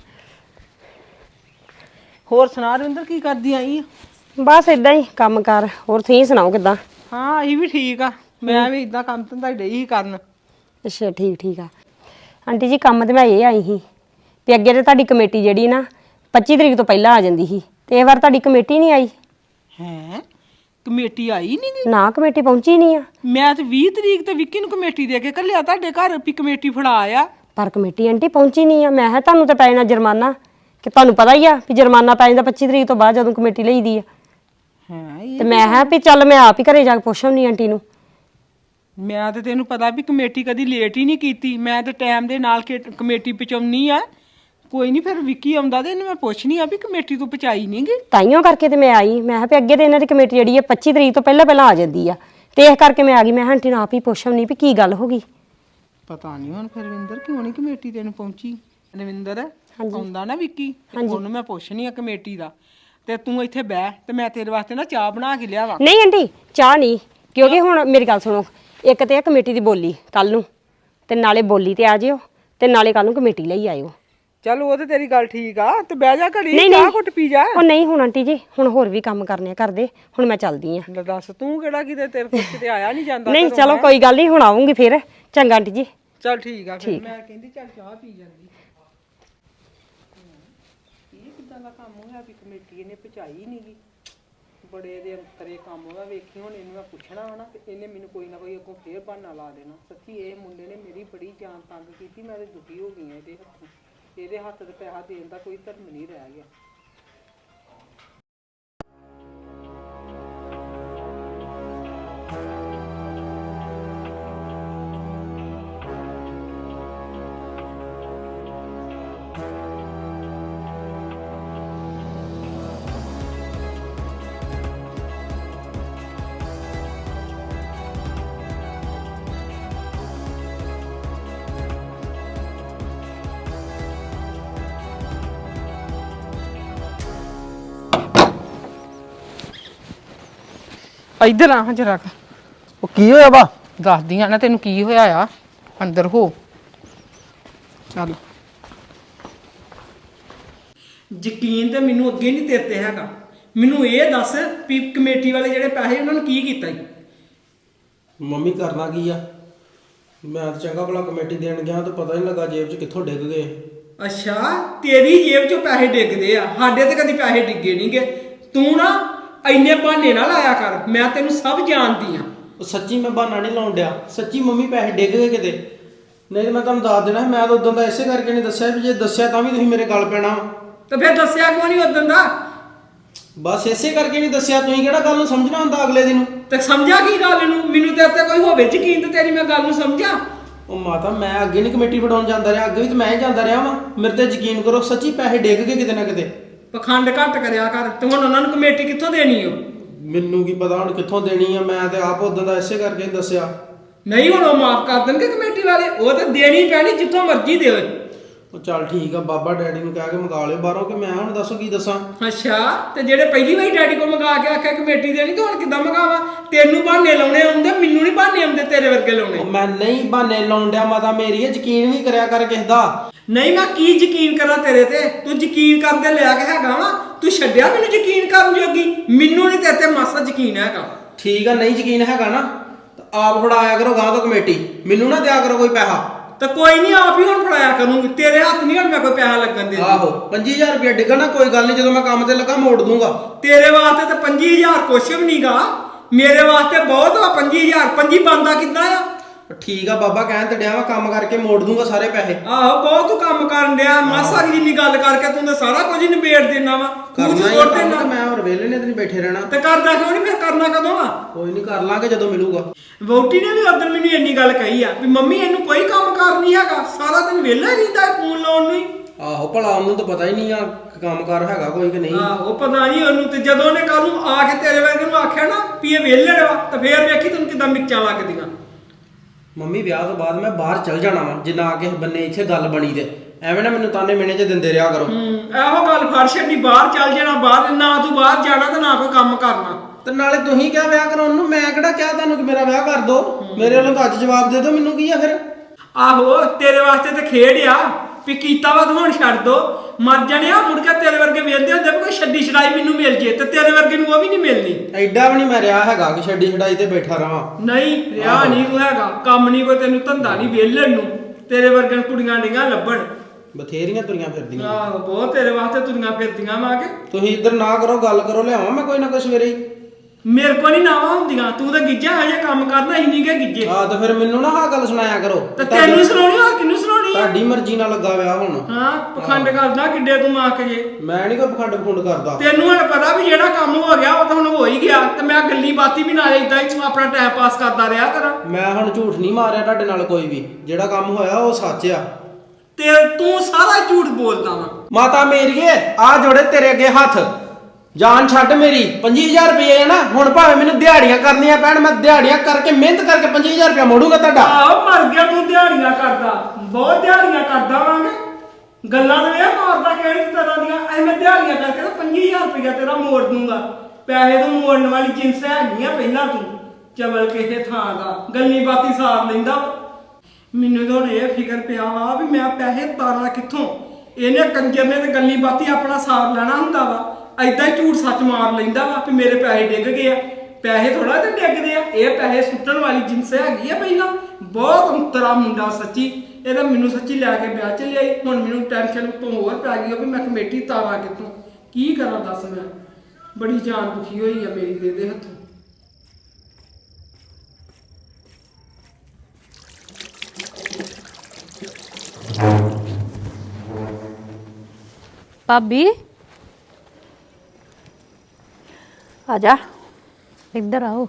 C: ਹੋਰ ਸੁਣਾ ਰਵਿੰਦਰ ਕੀ ਕਰਦੀ ਆਈ ਆ?
F: ਬਸ ਇਦਾਂ ਹੀ ਕੰਮ ਕਾਰ। ਹੋਰ ਤੁਸੀਂ ਸੁਣਾਓ ਕਿਦਾਂ?
C: ਹਾਂ ਅਸੀਂ ਵੀ ਠੀਕ ਆ। ਮੈਂ ਵੀ ਇਦਾਂ ਕੰਮ ਧੰਦਾ ਡਈ ਹੀ ਕਰਨ।
F: ਅੱਛਾ ਠੀਕ ਠੀਕ ਆ ਆਂਟੀ ਜੀ। ਕੰਮ ਤੇ ਮੈਂ ਇਹ ਆਈ ਸੀ ਵੀ ਅੱਗੇ ਤੇ ਤੁਹਾਡੀ ਕਮੇਟੀ ਜਿਹੜੀ ਨਾ ਪੱਚੀ ਤਰੀਕ ਤੋਂ ਪਹਿਲਾਂ ਆ ਜਾਂਦੀ ਸੀ ਤੇ ਇਹ ਵਾਰ ਤੁਹਾਡੀ ਕਮੇਟੀ ਨਹੀਂ ਆਈ।
C: ਹੈ ਕਮੇਟੀ ਆਈ ਨਹੀਂ ਗੀ?
F: ਨਾ ਕਮੇਟੀ ਪਹੁੰਚੀ ਨਹੀਂ ਆ।
C: ਮੈਂ ਤੇ ਵੀਹ ਤਰੀਕ ਤੇ ਵਿੱਕੀ ਨੂੰ ਕਮੇਟੀ ਦੇ ਕੇ ਘੱਲਿਆ ਤੁਹਾਡੇ ਘਰ ਵੀ ਕਮੇਟੀ ਫੜਾ ਆ।
F: ਪਰ ਕਮੇਟੀ ਆਂਟੀ ਪਹੁੰਚੀ ਨਹੀਂ ਆ। ਮੈਂ ਕਿਹਾ ਤੁਹਾਨੂੰ ਤਾਂ ਪੈ ਜਾਣਾ ਜੁਰਮਾਨਾ ਕਿ ਤੁਹਾਨੂੰ ਪਤਾ ਹੀ ਆ ਵੀ ਜੁਰਮਾਨਾ ਪੈ ਜਾਂਦਾ ਪੱਚੀ ਤਰੀਕ ਤੋਂ ਬਾਅਦ ਜਦੋਂ ਕਮੇਟੀ ਲਈਦੀ ਆ।
C: ਹਾਂ
F: ਤੇ ਮੈਂ ਕਿਹਾ ਵੀ ਚੱਲ ਮੈਂ ਆਪ ਹੀ ਘਰੇ ਜਾ ਕੇ ਪੁੱਛਾਂ ਨਹੀਂ ਆਂਟੀ ਨੂੰ।
C: ਮੈਂ ਤੇ ਤੈਨੂੰ ਪਤਾ ਵੀ ਕਮੇਟੀ ਕਦੀ ਲੇਟ ਹੀ ਨਹੀਂ ਕੀਤੀ। ਮੈਂ ਤੇ ਟਾਈਮ ਦੇ ਨਾਲ ਕੇ ਕਮੇਟੀ ਪਹੁੰਚਾਉਣੀ ਆ। ਕੋਈ ਨਹੀਂ ਫਿਰ ਵਿੱਕੀ ਆਉਂਦਾ ਤੇ ਇਹਨੂੰ ਮੈਂ ਪੁੱਛਣੀ ਆ ਵੀ ਕਮੇਟੀ ਤੂੰ ਪਹੁੰਚਾਈ ਨਹੀਂ ਗੀ।
F: ਤਾਈਓ ਕਰਕੇ ਤੇ ਮੈਂ ਆਈ। ਮੈਂ ਕਿਹਾ ਵੀ ਅੱਗੇ ਤੇ ਇਹਨਾਂ ਦੀ ਕਮੇਟੀ ਜਿਹੜੀ ਹੈ ਪੱਚੀ ਤਰੀਕ ਤੋਂ ਪਹਿਲਾਂ ਪਹਿਲਾਂ ਆ ਜਾਂਦੀ ਆ ਤੇ ਇਸ ਕਰਕੇ ਮੈਂ ਆ ਗਈ। ਮੈਂ ਕਿਹਾ ਆਂਟੀ ਨੂੰ ਆਪ ਹੀ ਪੁੱਛਾਂ ਨਹੀਂ ਵੀ ਕੀ ਗੱਲ ਹੋ ਗਈ।
C: ਪਤਾ ਨਹੀਂ ਹੁਣ ਫਿਰ ਰਵਿੰਦਰ ਕਿਉਂ ਨਹੀਂ ਕਮੇਟੀ ਤੈਨੂੰ ਪਹੁੰਚੀ। ਰਵਿੰਦਰ ਆਉਂਦਾ ਨਾ ਵਿੱਕੀ ਉਹਨੂੰ ਮੈਂ ਪੁੱਛਣੀ ਆ ਕਮੇਟੀ ਦਾ। ਤੇ ਤੂੰ ਇੱਥੇ ਬਹਿ ਤੇ ਮੈਂ ਤੇਰੇ ਵਾਸਤੇ ਨਾ ਚਾਹ ਬਣਾ ਕੇ ਲਿਆਵਾਂ।
F: ਨਹੀਂ ਆਂਟੀ ਚਾਹ ਨਹੀਂ, ਕਿਉਂਕਿ ਹੁਣ ਮੇਰੀ ਗੱਲ ਸੁਣੋ। ਇੱਕ ਤੇ ਆ ਕਮੇਟੀ ਦੀ ਬੋਲੀ ਕੱਲ ਨੂੰ ਤੇ ਨਾਲੇ ਬੋਲੀ ਤੇ ਆ ਜਿਓ ਤੇ ਨਾਲੇ ਕੱਲ ਨੂੰ ਕਮੇਟੀ ਲਈ ਆਇਓ।
C: ਚੱਲ ਉਹ ਤੇ ਤੇਰੀ ਗੱਲ ਠੀਕ ਆ। ਤੇ ਬਹਿ ਜਾ ਘੜੀ
F: ਨਹੀਂ
C: ਚਾਹ
F: ਨਹੀਂ
C: ਘੁੱਟ ਪੀ ਜਾ।
F: ਉਹ ਨਹੀਂ ਹੁਣ ਆਂਟੀ ਜੀ ਹੁਣ ਹੋਰ ਵੀ ਕੰਮ ਕਰਨੇ ਆ ਕਰਦੇ। ਹੁਣ ਮੈਂ ਚੱਲਦੀ ਆ।
C: ਲੈ ਦੱਸ ਤੂੰ ਕਿਹੜਾ ਕਿਤੇ ਤੇਰੇ ਕੋਲ ਕਿਤੇ ਆਇਆ ਨਹੀਂ ਜਾਂਦਾ।
F: ਨਹੀਂ ਚਲੋ ਕੋਈ ਗੱਲ ਨਹੀਂ ਹੁਣ ਆਉਂਗੀ ਫਿਰ। ਚੰਗਾ ਆਂਟੀ ਜੀ।
C: ਚੱਲ ਠੀਕ ਆ ਫਿਰ। ਮੈਂ ਕਹਿੰਦੀ ਚੱਲ ਚਾਹ ਪੀ ਜਾਂਦੀ। ਇਹ ਕਿੱਦਾਂ ਦਾ ਕੰਮ ਹੋਇਆ ਵੀ ਕਮੇਟੀ ਇਹਨੇ ਪਹੁੰਚਾਈ ਨਹੀਂ ਗੀ। ਬੜੇ ਦੇ ਅੰਤਰੇ ਕੰਮ ਹੋਇਆ। ਵੇਖੀ ਹੁਣ ਇਹਨੂੰ ਮੈਂ ਪੁੱਛਣਾ ਹਨਾ ਤੇ ਇਹਨੇ ਮੈਨੂੰ ਕੋਈ ਨਾ ਕੋਈ ਅੱਗੋਂ ਫੇਰ ਬਹਾਨਾ ਲਾ ਦੇਣਾ। ਸੱਚੀ ਇਹ ਮੁੰਡੇ ਨੇ ਮੇਰੀ ਬੜੀ ਜਾਨ ਤੰਗ ਕੀਤੀ। ਮੈਂ ਤੇ ਦੁਖੀ ਹੋ ਗਈ ਆ ਇਹਦੇ ਹੱਥੋਂ। ਇਹਦੇ ਹੱਥ ਤੇ ਪੈਸਾ ਦੇਣ ਦਾ ਕੋਈ ਧਰਮ ਨਹੀਂ ਰਹਿ ਗਿਆ। ਇੱਧਰ ਆ ਜਰਾ ਕੁ।
B: ਉਹ ਕੀ ਹੋਇਆ ਵਾ?
C: ਦੱਸਦੀ ਆ ਨਾ ਤੈਨੂੰ ਕੀ ਹੋਇਆ ਆ। ਅੰਦਰ ਹੋ ਚੱਲ। ਯਕੀਨ ਤੇ ਮੈਨੂੰ ਅੱਗੇ ਨਹੀਂ ਤੇਰੇ ਤੇ ਹੈਗਾ। ਮੈਨੂੰ ਇਹ ਦੱਸ ਵੀ ਕਮੇਟੀ ਵਾਲੇ ਜਿਹੜੇ ਪੈਸੇ ਉਹਨਾਂ ਨੂੰ ਕੀ ਕੀਤਾ ਜੀ?
B: ਮੰਮੀ ਕਰਨਾ ਕੀ ਆ? ਮੈਂ ਤਾਂ ਚੰਗਾ ਭਲਾ ਕਮੇਟੀ ਦੇਣ ਗਿਆ ਤਾਂ ਪਤਾ ਨਹੀਂ ਲੱਗਾ ਜੇਬ 'ਚ ਕਿੱਥੋਂ ਡਿੱਗ ਗਏ।
C: ਅੱਛਾ ਤੇਰੀ ਜੇਬ 'ਚੋਂ ਪੈਸੇ ਡਿੱਗਦੇ ਆ। ਸਾਡੇ ਤੇ ਕਦੀ ਪੈਸੇ ਡਿੱਗੇ ਨਹੀਂਗੇ। ਤੂੰ ਨਾ ਇੰਨੇ ਬਹਾਨੇ ਨਾ ਲਾਇਆ ਕਰ। ਮੈਂ ਤੈਨੂੰ ਸਭ ਜਾਣਦੀ ਆ।
B: ਉਹ ਸੱਚੀ ਮੈਂ ਬਹਾਨਾ ਨਹੀਂ ਲਾਉਣ ਡਿਆ। ਸੱਚੀ ਮੰਮੀ ਪੈਸੇ ਡਿੱਗ ਗਏ ਕਿਤੇ। ਨਹੀਂ ਤਾਂ ਮੈਂ ਤੁਹਾਨੂੰ ਦੱਸ ਦੇਣਾ। ਮੈਂ ਤਾਂ ਉਦੋਂ ਦਾ ਇਸੇ ਕਰਕੇ ਨਹੀਂ ਦੱਸਿਆ ਵੀ ਜੇ ਦੱਸਿਆ ਤਾਂ ਵੀ ਤੁਸੀਂ ਮੇਰੇ ਗੱਲ ਪੈਣਾ।
C: ਤੇ ਫਿਰ ਦੱਸਿਆ ਕਿਉਂ ਨਹੀਂ ਉਦੋਂ ਦਾ?
B: ਬਸ ਇਸੇ ਕਰਕੇ ਨਹੀਂ ਦੱਸਿਆ। ਤੁਸੀਂ ਕਿਹੜਾ ਗੱਲ ਨੂੰ ਸਮਝਣਾ ਹੁੰਦਾ ਅਗਲੇ ਦਿਨ।
C: ਤੇ ਸਮਝਾ ਕੀ ਗੱਲ ਨੂੰ? ਮੈਨੂੰ ਤੇ ਉੱਤੇ ਕੋਈ ਹੋਵੇ ਯਕੀਨ ਤੇ ਤੇਰੀ ਮੈਂ ਗੱਲ ਨੂੰ ਸਮਝਾਂ।
B: ਉਹ ਮਾਤਾ ਮੈਂ ਅੱਗੇ ਨਹੀਂ ਕਮੇਟੀ ਫੜਾਉਣ ਜਾਂਦਾ ਰਿਹਾ। ਅੱਗੇ ਵੀ ਤਾਂ ਮੈਂ ਹੀ ਜਾਂਦਾ ਰਿਹਾ ਵਾਂ। ਮੇਰੇ ਤੇ ਯਕੀਨ ਕਰੋ ਸੱਚੀ ਪੈਸੇ ਡਿੱਗ ਗਏ ਕਿਤੇ ਨਾ ਕਿਤੇ।
C: ਪਖੰਡ ਘੱਟ ਕਰਿਆ ਕਰ। ਤੇ ਹੁਣ ਉਹਨਾਂ ਨੂੰ ਕਮੇਟੀ ਕਿੱਥੋਂ ਦੇਣੀ ਓ?
B: ਮੈਨੂੰ ਕੀ ਪਤਾ ਹੁਣ ਕਿੱਥੋਂ ਦੇਣੀ ਆ। ਮੈਂ ਤੇ ਆਪ ਉਦੋਂ ਦਾ ਇਸੇ ਕਰਕੇ ਨਹੀਂ ਦੱਸਿਆ।
C: ਨਹੀਂ ਹੁਣ ਉਹ ਮਾਫ ਕਰ ਦੇਣਗੇ ਕਮੇਟੀ ਵਾਲੇ। ਉਹ ਤਾਂ ਦੇਣੀ ਪੈਣੀ ਜਿੱਥੋਂ ਮਰਜ਼ੀ ਦੇਵੇ।
B: ਉਹ ਚੱਲ ਠੀਕ ਆ ਬਾਬਾ ਡੈਡੀ ਨੂੰ ਕਹਿ ਕੇ ਮੰਗਾ ਲਿਓ ਬਾਹਰੋਂ। ਕਿ ਮੈਂ ਹੁਣ ਦੱਸੋ ਕੀ ਦੱਸਾਂ।
C: ਅੱਛਾ ਤੇ ਜਿਹੜੇ ਪਹਿਲੀ ਵਾਰੀ ਡੈਡੀ ਕੋ ਮੰਗਾ ਕੇ ਆਖਿਆ ਕਮੇਟੀ ਦੇਣੀ ਤੇ ਹੁਣ ਕਿੱਦਾਂ ਮੰਗਾਵਾ? ਤੈਨੂੰ ਬਹਾਨੇ ਲਾਉਣੇ ਆਉਂਦੇ, ਮੈਨੂੰ ਨਹੀਂ ਬਹਾਨੇ ਆਉਂਦੇ ਤੇਰੇ ਵਰਗੇ ਲਾਉਣੇ।
B: ਮੈਂ ਨਹੀਂ ਬਹਾਨੇ ਲਾਉਣ ਡਿਆ ਮਾਤਾ ਮੇਰੀ। ਯਕੀਨ ਵੀ ਕਰਿਆ ਕਰ ਕਿਸੇ ਦਾ।
C: ਨਹੀਂ ਮੈਂ ਕੀ ਯਕੀਨ ਕਰਾਂ ਤੇਰੇ ਤੇ? ਤੂੰ ਯਕੀਨ ਕਰਦੇ ਲਿਆ ਕੇ ਹੈਗਾ ਵਾ। ਤੂੰ ਛੱਡਿਆ ਮੈਨੂੰ ਯਕੀਨ ਕਰਨ ਜੋਗੀ? ਮੈਨੂੰ ਨਹੀਂ ਤੇਰੇ ਤੇ ਮਾਸਾ ਯਕੀਨ ਹੈਗਾ।
B: ਠੀਕ ਆ ਨਹੀਂ ਯਕੀਨ ਹੈਗਾ ਨਾ ਤਾਂ ਆਪ ਫੜਾਇਆ ਕਰੋ ਗਾਂ ਤੋਂ ਕਮੇਟੀ। ਮੈਨੂੰ ਨਾ ਦਿਆ ਕਰੋ ਕੋਈ ਪੈਸਾ।
C: ਤਾਂ ਕੋਈ ਨਹੀਂ ਆਪ ਹੀ ਹੁਣ ਫੜਾਇਆ ਕਰੂੰਗੀ। ਤੇਰੇ ਹੱਥ ਨਹੀਂ ਹੁਣ ਮੈਂ ਕੋਈ ਪੈਸਾ ਲੱਗਣ ਦੇ।
B: ਆਹੋ ਪੰਜੀ ਹਜ਼ਾਰ ਰੁਪਇਆ ਡਿੱਗਾ ਨਾ ਕੋਈ ਗੱਲ ਨਹੀਂ। ਜਦੋਂ ਮੈਂ ਕੰਮ ਤੇ ਲੱਗਾ ਮੋੜ ਦੂੰਗਾ।
C: ਤੇਰੇ ਵਾਸਤੇ ਤਾਂ ਪੰਜੀ ਹਜ਼ਾਰ ਕੁਛ ਵੀ ਨਹੀਂਗਾ। ਮੇਰੇ ਵਾਸਤੇ ਬਹੁਤ ਵਾ ਪੰਜੀ ਹਜ਼ਾਰ। ਪੰਜੀ ਬਣਦਾ ਕਿੱਦਾਂ ਆ?
B: ਠੀਕ ਆ ਬਾਬਾ ਕਹਿਣ ਤੇ ਡਿਆ ਵਾ ਕੰਮ ਕਰਕੇ ਮੋੜ ਦੂੰਗਾ ਸਾਰੇ ਪੈਸੇ।
C: ਆਹੋ ਬਹੁਤ ਤੂੰ ਕੰਮ ਕਰਨ ਡਿਆ। ਮਾਸਾ ਜਿੰਨੀ ਗੱਲ ਕਰਕੇ ਤੂੰ ਤਾਂ ਸਾਰਾ ਕੁਝ ਹੀ ਨਿਬੇੜ ਦੇਣਾ ਵਾ।
B: ਕਰਨਾ
C: ਤੂੰ
B: ਹੀ
C: ਛੋੜ
B: ਕੰਮ
C: ਦੇਣਾ।
B: ਤੇ ਮੈਂ ਹੋਰ ਵੇਲੇ ਨੇ ਤੇ ਨਹੀਂ ਬੈਠੇ ਰਹਿਣਾ।
C: ਤੇ ਕਰਦਾ ਕਿਉਂ ਨਹੀਂ? ਫਿਰ ਕਰਨਾ ਕਦੋਂ ਆ?
B: ਕੋਈ ਨਹੀਂ ਕਰ ਲਾਂਗੇ ਜਦੋਂ ਮਿਲੂਗਾ।
C: ਵੋਟੀ ਨੇ ਵੀ ਉਦੋਂ ਮੈਨੂੰ ਇੰਨੀ ਗੱਲ ਕਹੀ ਆ ਵੀ ਮੰਮੀ ਇਹਨੂੰ ਕੋਈ ਕੰਮ ਕਾਰ ਨਹੀਂ ਹੈਗਾ। ਸਾਰਾ ਦਿਨ ਵਿਹਲਾ ਰਹਿੰਦਾ ਫੋਨ ਲਾਉਣ ਨੂੰ ਹੀ।
B: ਆਹੋ ਭਲਾ ਉਹਨੂੰ ਤਾਂ ਪਤਾ ਹੀ ਨਹੀਂ ਆ ਕੰਮ ਕਾਰ ਹੈਗਾ ਕੋਈ ਕਿ ਨਹੀਂ।
C: ਆਹੋ ਪਤਾ ਨਹੀਂ ਉਹਨੂੰ। ਤੇ ਜਦੋਂ ਉਹਨੇ ਕੱਲ ਨੂੰ ਆ ਕੇ ਤੇਰੇ ਵਰਗੇ ਨੂੰ ਆਖਿਆ ਨਾ ਵੀ ਇਹ ਵਿਹਲੇ ਵਾ ਤਾਂ ਫੇਰ ਵੇਖੀ ਤੈਨੂੰ ਕਿਦਾਂ ਮਿਰਚਾਂ ਲੱਗਦੀਆਂ।
B: ਮੰਮੀ ਵਿਆਹ ਤੋਂ ਬਾਅਦ ਮੈਂ ਬਾਹਰ ਚਲ ਜਾਣਾ ਵਾ ਜੇ ਨਾ ਕਿਸੇ ਬੰਨੇ ਇੱਥੇ ਗੱਲ ਬਣੀ ਤੇ। ਐਵੇਂ ਨਾ ਮੈਨੂੰ ਤਾਨੇ ਮਿਹਣੇ ਚ ਦਿੰਦੇ ਰਿਹਾ ਕਰੋ।
C: ਹੂੰ ਇਹੋ ਗੱਲ ਫੜ ਛੱਡੀ। ਬਾਹਰ ਚੱਲ ਜਾਣਾ। ਬਾਹਰ ਨਾ ਤੂੰ ਬਾਹਰ ਜਾਣਾ ਤੇ ਨਾ ਕੋਈ ਕੰਮ ਕਰਨਾ।
B: ਤੇ ਨਾਲੇ ਤੁਸੀਂ ਕਿਹਾ ਵਿਆਹ ਕਰਾਉਣ ਨੂੰ, ਮੈਂ ਕਿਹੜਾ ਕਿਹਾ ਤੁਹਾਨੂੰ ਕਿ ਮੇਰਾ ਵਿਆਹ ਕਰ ਦੋ। ਮੇਰੇ ਵੱਲੋਂ ਤਾਂ ਅੱਜ ਜਵਾਬ ਦੇ ਦਿਓ, ਮੈਨੂੰ ਕੀ ਆ ਫਿਰ।
C: ਆਹੋ ਤੇਰੇ ਵਾਸਤੇ ਤੇ ਖੇਡ ਆ ਵੀ ਕੀਤਾ ਵਾ ਤੂੰ ਹੁਣ ਛੱਡ ਦੋ, ਮਰ ਜਾਣਿਆ ਮੁੜ ਕੇ ਤੇਰੇ ਵਰਗੇ ਵੇਖਦੇ ਹੁੰਦੇ ਵੀ ਕੋਈ ਛੱਡੀ ਛੜਾਈ ਮੈਨੂੰ ਮਿਲ ਜੇ, ਤੇ ਤੇਰੇ ਵਰਗੇ ਨੂੰ ਉਹ ਵੀ ਨਹੀਂ ਮਿਲਣੀ।
B: ਐਡਾ ਵੀ ਨਹੀਂ ਮੈਂ ਰਿਹਾ ਹੈਗਾ ਕਿ ਛੱਡੀ ਛਡਾਈ ਤੇ ਬੈਠਾ ਰਵਾਂ।
C: ਨਹੀਂ ਰਿਹਾ ਨਹੀਂ ਤੂੰ ਹੈਗਾ, ਕੰਮ ਨਹੀਂ ਕੋਈ ਤੈਨੂੰ, ਧੰਦਾ ਨਹੀਂ ਵਿਹਲਣ ਨੂੰ। ਤੇਰੇ ਵਰਗਣ ਕੁੜੀਆਂ ਡਿੰਗਾਂ ਲੱਭਣ
B: ਬਥੇਰੀਆਂ ਤੁਰੀਆਂ ਫਿਰਦੀਆਂ।
C: ਆਹੋ ਬਹੁਤ ਤੇਰੇ ਵਾਸਤੇ ਤੁਰੀਆਂ ਫਿਰਦੀਆਂ ਵਾ ਕੇ।
B: ਤੁਸੀਂ ਇੱਧਰ ਨਾ ਕਰੋ, ਗੱਲ ਕਰੋ, ਲਿਆਵਾਂ ਮੈਂ ਕੋਈ ਨਾ ਕੋਈ ਸਵੇਰੇ ਹੀ।
C: ਮੇਰੇ ਕੋਲ ਨਹੀਂ ਨਾਵਾਂ ਹੁੰਦੀਆਂ, ਤੂੰ ਤਾਂ ਗਿੱਜਾ ਹਜੇ ਕੰਮ ਕਰਨਾ ਹੀ ਨਹੀਂ ਗੇ ਗਿੱਜੇ।
B: ਹਾਂ ਤਾਂ ਫਿਰ ਮੈਨੂੰ ਨਾ ਆਹ ਗੱਲ ਸੁਣਾਇਆ ਕਰੋ।
C: ਤੇ ਤੈਨੂੰ ਸੁਣਾਉਣੀ ਹੋਰ ਕਿਹਨੂੰ ਸੁਣਾਉਣੀ ਆ?
B: ਤੁਹਾਡੀ ਮਰਜ਼ੀ ਨਾਲ ਲੱਗਾ ਵਿਆਹ ਹੁਣ।
C: ਹਾਂ ਪਖੰਡ ਕਰਦਾ ਕਿੱਡੇ ਤੂੰ ਮਾਂ ਕੇ ਜੇ।
B: ਮੈਂ ਨਹੀਂ ਕੋਈ ਪਖੰਡ ਪਖੰਡ ਕਰਦਾ।
C: ਤੈਨੂੰ ਹੁਣ ਪਤਾ ਵੀ ਜਿਹੜਾ ਕੰਮ ਹੋ ਗਿਆ ਉਹ ਤਾਂ ਹੁਣ ਹੋ ਹੀ ਗਿਆ, ਤੇ ਮੈਂ ਗੱਲੀ ਬਾਤੀ ਵੀ ਨਾਲੇ ਇਦਾਂ ਹੀ ਤੂੰ ਆਪਣਾ ਟਾਈਮ ਪਾਸ ਕਰਦਾ ਰਿਹਾ ਕਰਾਂ।
B: ਮੈਂ ਹੁਣ ਝੂਠ ਨਹੀਂ ਮਾਰਿਆ ਤੁਹਾਡੇ ਨਾਲ ਕੋਈ ਵੀ, ਜਿਹੜਾ ਕੰਮ ਹੋਇਆ ਉਹ ਸੱਚ ਆ।
C: ਤੇ ਤੂੰ ਸਾਰਾ ਝੂਠ ਬੋਲਦਾ ਵਾ।
B: ਮਾਤਾ ਮੇਰੀਏ ਆ ਜੋੜੇ ਤੇਰੇ ਅੱਗੇ ਹੱਥ, ਜਾਨ ਛੱਡ ਮੇਰੀ। ਪੰਜੀ ਹਜ਼ਾਰ ਰੁਪਏ ਹੈ ਨਾ, ਹੁਣ ਭਾਵੇਂ ਮੈਨੂੰ ਦਿਹਾੜੀਆਂ ਕਰਨੀਆਂ ਪੈਣ, ਮੈਂ ਦਿਹਾੜੀਆਂ ਕਰਕੇ ਮਿਹਨਤ ਕਰਕੇ ਪੰਜੀ ਹਜ਼ਾਰ ਰੁਪਏ ਮੋੜੂਗਾ ਤੁਹਾਡਾ।
C: ਆਹੋ ਮਰ ਗਿਆ ਤੂੰ ਦਿਹਾੜੀਆਂ ਕਰਦਾ, ਬਹੁਤ ਦਿਹਾੜੀਆਂ ਕਰਦਾ ਵਾਂਗੇ। ਗੱਲਾਂ ਤੇ ਇਹ ਮਾਰਦਾ ਕਿਹੜੀ ਤਰ੍ਹਾਂ ਦੀਆਂ, ਐ ਮੈਂ ਦਿਹਾੜੀਆਂ ਕਰਕੇ ਤਾਂ ਪੰਜੀ ਹਜ਼ਾਰ ਰੁਪਇਆ ਤੇਰਾ ਮੋੜ ਦੂੰਗਾ। ਪੈਸੇ ਤੋਂ ਮੋੜਨ ਵਾਲੀ ਜਿੰਸ ਹੈਗੀਆਂ ਪਹਿਲਾਂ ਤੂੰ ਚਵਲ ਕਿਸੇ ਥਾਂ ਦਾ, ਗੱਲੀ ਬਾਤੀ ਸਾਰ ਲੈਂਦਾ। ਮੈਨੂੰ ਤਾਂ ਹੁਣ ਇਹ ਫਿਕਰ ਪਿਆ ਵਾ ਵੀ ਮੈਂ ਪੈਸੇ ਤਾਰਾਂ ਕਿੱਥੋਂ। ਇਹਨੇ ਕੰਜਰ ਨੇ ਤੇ ਗੱਲੀ ਬਾਤੀ ਆਪਣਾ ਸਾਰ ਲੈਣਾ ਹੁੰਦਾ ਵਾ, ਐਦਾਂ ਹੀ ਝੂਠ ਸੱਚ ਮਾਰ ਲੈਂਦਾ ਵਾ ਵੀ ਮੇਰੇ ਪੈਸੇ ਡਿੱਗ ਗਏ ਆ। ਪੈਸੇ ਥੋੜਾ ਤੇ ਡਿੱਗਦੇ ਆ, ਇਹ ਪੈਸੇ ਸੁੱਟਣ ਵਾਲੀ ਜਿੰਸ ਹੈਗੀ ਆ ਪਹਿਲਾਂ। ਬਹੁਤ ਅੰਤਰਾ ਮੁੰਡਾ ਸੱਚੀ, ਇਹਦਾ ਮੈਨੂੰ ਸੱਚੀ ਲੈ ਕੇ ਵਿਆਹ ਚ ਲਿਆਈ। ਹੁਣ ਮੈਨੂੰ ਟੈਨਸ਼ਨ ਤੋਂ ਹੋਰ ਪੈ ਗਈ ਵੀ ਮੈਂ ਕਮੇਟੀ ਤਾਰਾਂ ਕਿੱਥੋਂ, ਕੀ ਕਰਾਂ ਦੱਸ। ਮੈਂ ਬੜੀ ਜਾਨ ਦੁਖੀ ਹੋਈ ਆ ਮੇਰੀ ਦੇ ਦੇ ਹੱਥੋਂ।
A: ਭਾਬੀ
D: ਆ ਜਾ।
A: ਇੱਧਰ ਆਓ।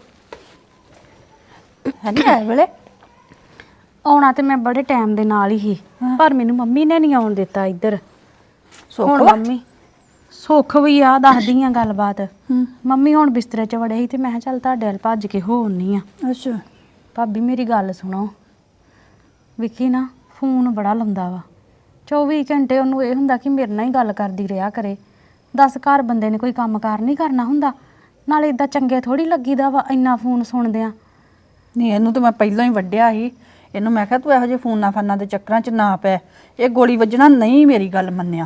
D: ਹੈ ਨਹੀਂ ਆਏ ਵੇਲੇ
A: ਆਉਣਾ ਤੇ ਮੈਂ ਬੜੇ ਟਾਈਮ ਦੇ ਨਾਲ ਹੀ ਸੀ, ਪਰ ਮੈਨੂੰ ਮੰਮੀ ਨੇ ਨਹੀਂ ਆਉਣ ਦਿੱਤਾ ਇੱਧਰ। ਹੁਣ
D: ਸੁੱਖ
A: ਮੰਮੀ ਸੁੱਖ ਵੀ ਆ, ਦੱਸਦੀ ਆ ਗੱਲਬਾਤ। ਮੰਮੀ ਹੁਣ ਬਿਸਤਰੇ 'ਚ ਵੜੇ ਸੀ ਤੇ ਮੈਂ ਕਿਹਾ ਚੱਲ ਤੁਹਾਡੇ ਵੱਲ ਭੱਜ ਕੇ ਹੋ ਆਉਂਦੀ ਆ।
D: ਅੱਛਾ
A: ਭਾਬੀ ਮੇਰੀ ਗੱਲ ਸੁਣੋ, ਵਿੱਕੀ ਨਾ ਫੋਨ ਬੜਾ ਲਾਉਂਦਾ ਵਾ। ਚੌਵੀ ਘੰਟੇ ਉਹਨੂੰ ਇਹ ਹੁੰਦਾ ਕਿ ਮੇਰੇ ਨਾਲ ਹੀ ਗੱਲ ਕਰਦੀ ਰਿਹਾ ਕਰੇ। ਦਸ ਘਰ ਬੰਦੇ ਨੇ ਕੋਈ ਕੰਮ ਕਾਰ ਨਹੀਂ ਕਰਨਾ ਹੁੰਦਾ, ਨਾਲੇ ਇਦਾਂ ਚੰਗੇ ਥੋੜੀ ਲੱਗੀਦਾ ਵਾ ਇੰਨਾ ਫੋਨ ਸੁਣਦੇ ਆ।
G: ਨਹੀਂ ਇਹਨੂੰ ਤਾਂ ਮੈਂ ਪਹਿਲਾਂ ਹੀ ਵੱਢਿਆ ਸੀ। ਇਹਨੂੰ ਮੈਂ ਕਿਹਾ ਤੂੰ ਇਹੋ ਜਿਹੇ ਫੋਨਾਂ ਫਾਨਾਂ ਦੇ ਚੱਕਰਾਂ 'ਚ ਨਾ ਪੈ, ਇਹ ਗੋਲੀ ਵੱਜਣਾ ਨਹੀਂ। ਮੇਰੀ ਗੱਲ ਮੰਨਿਆ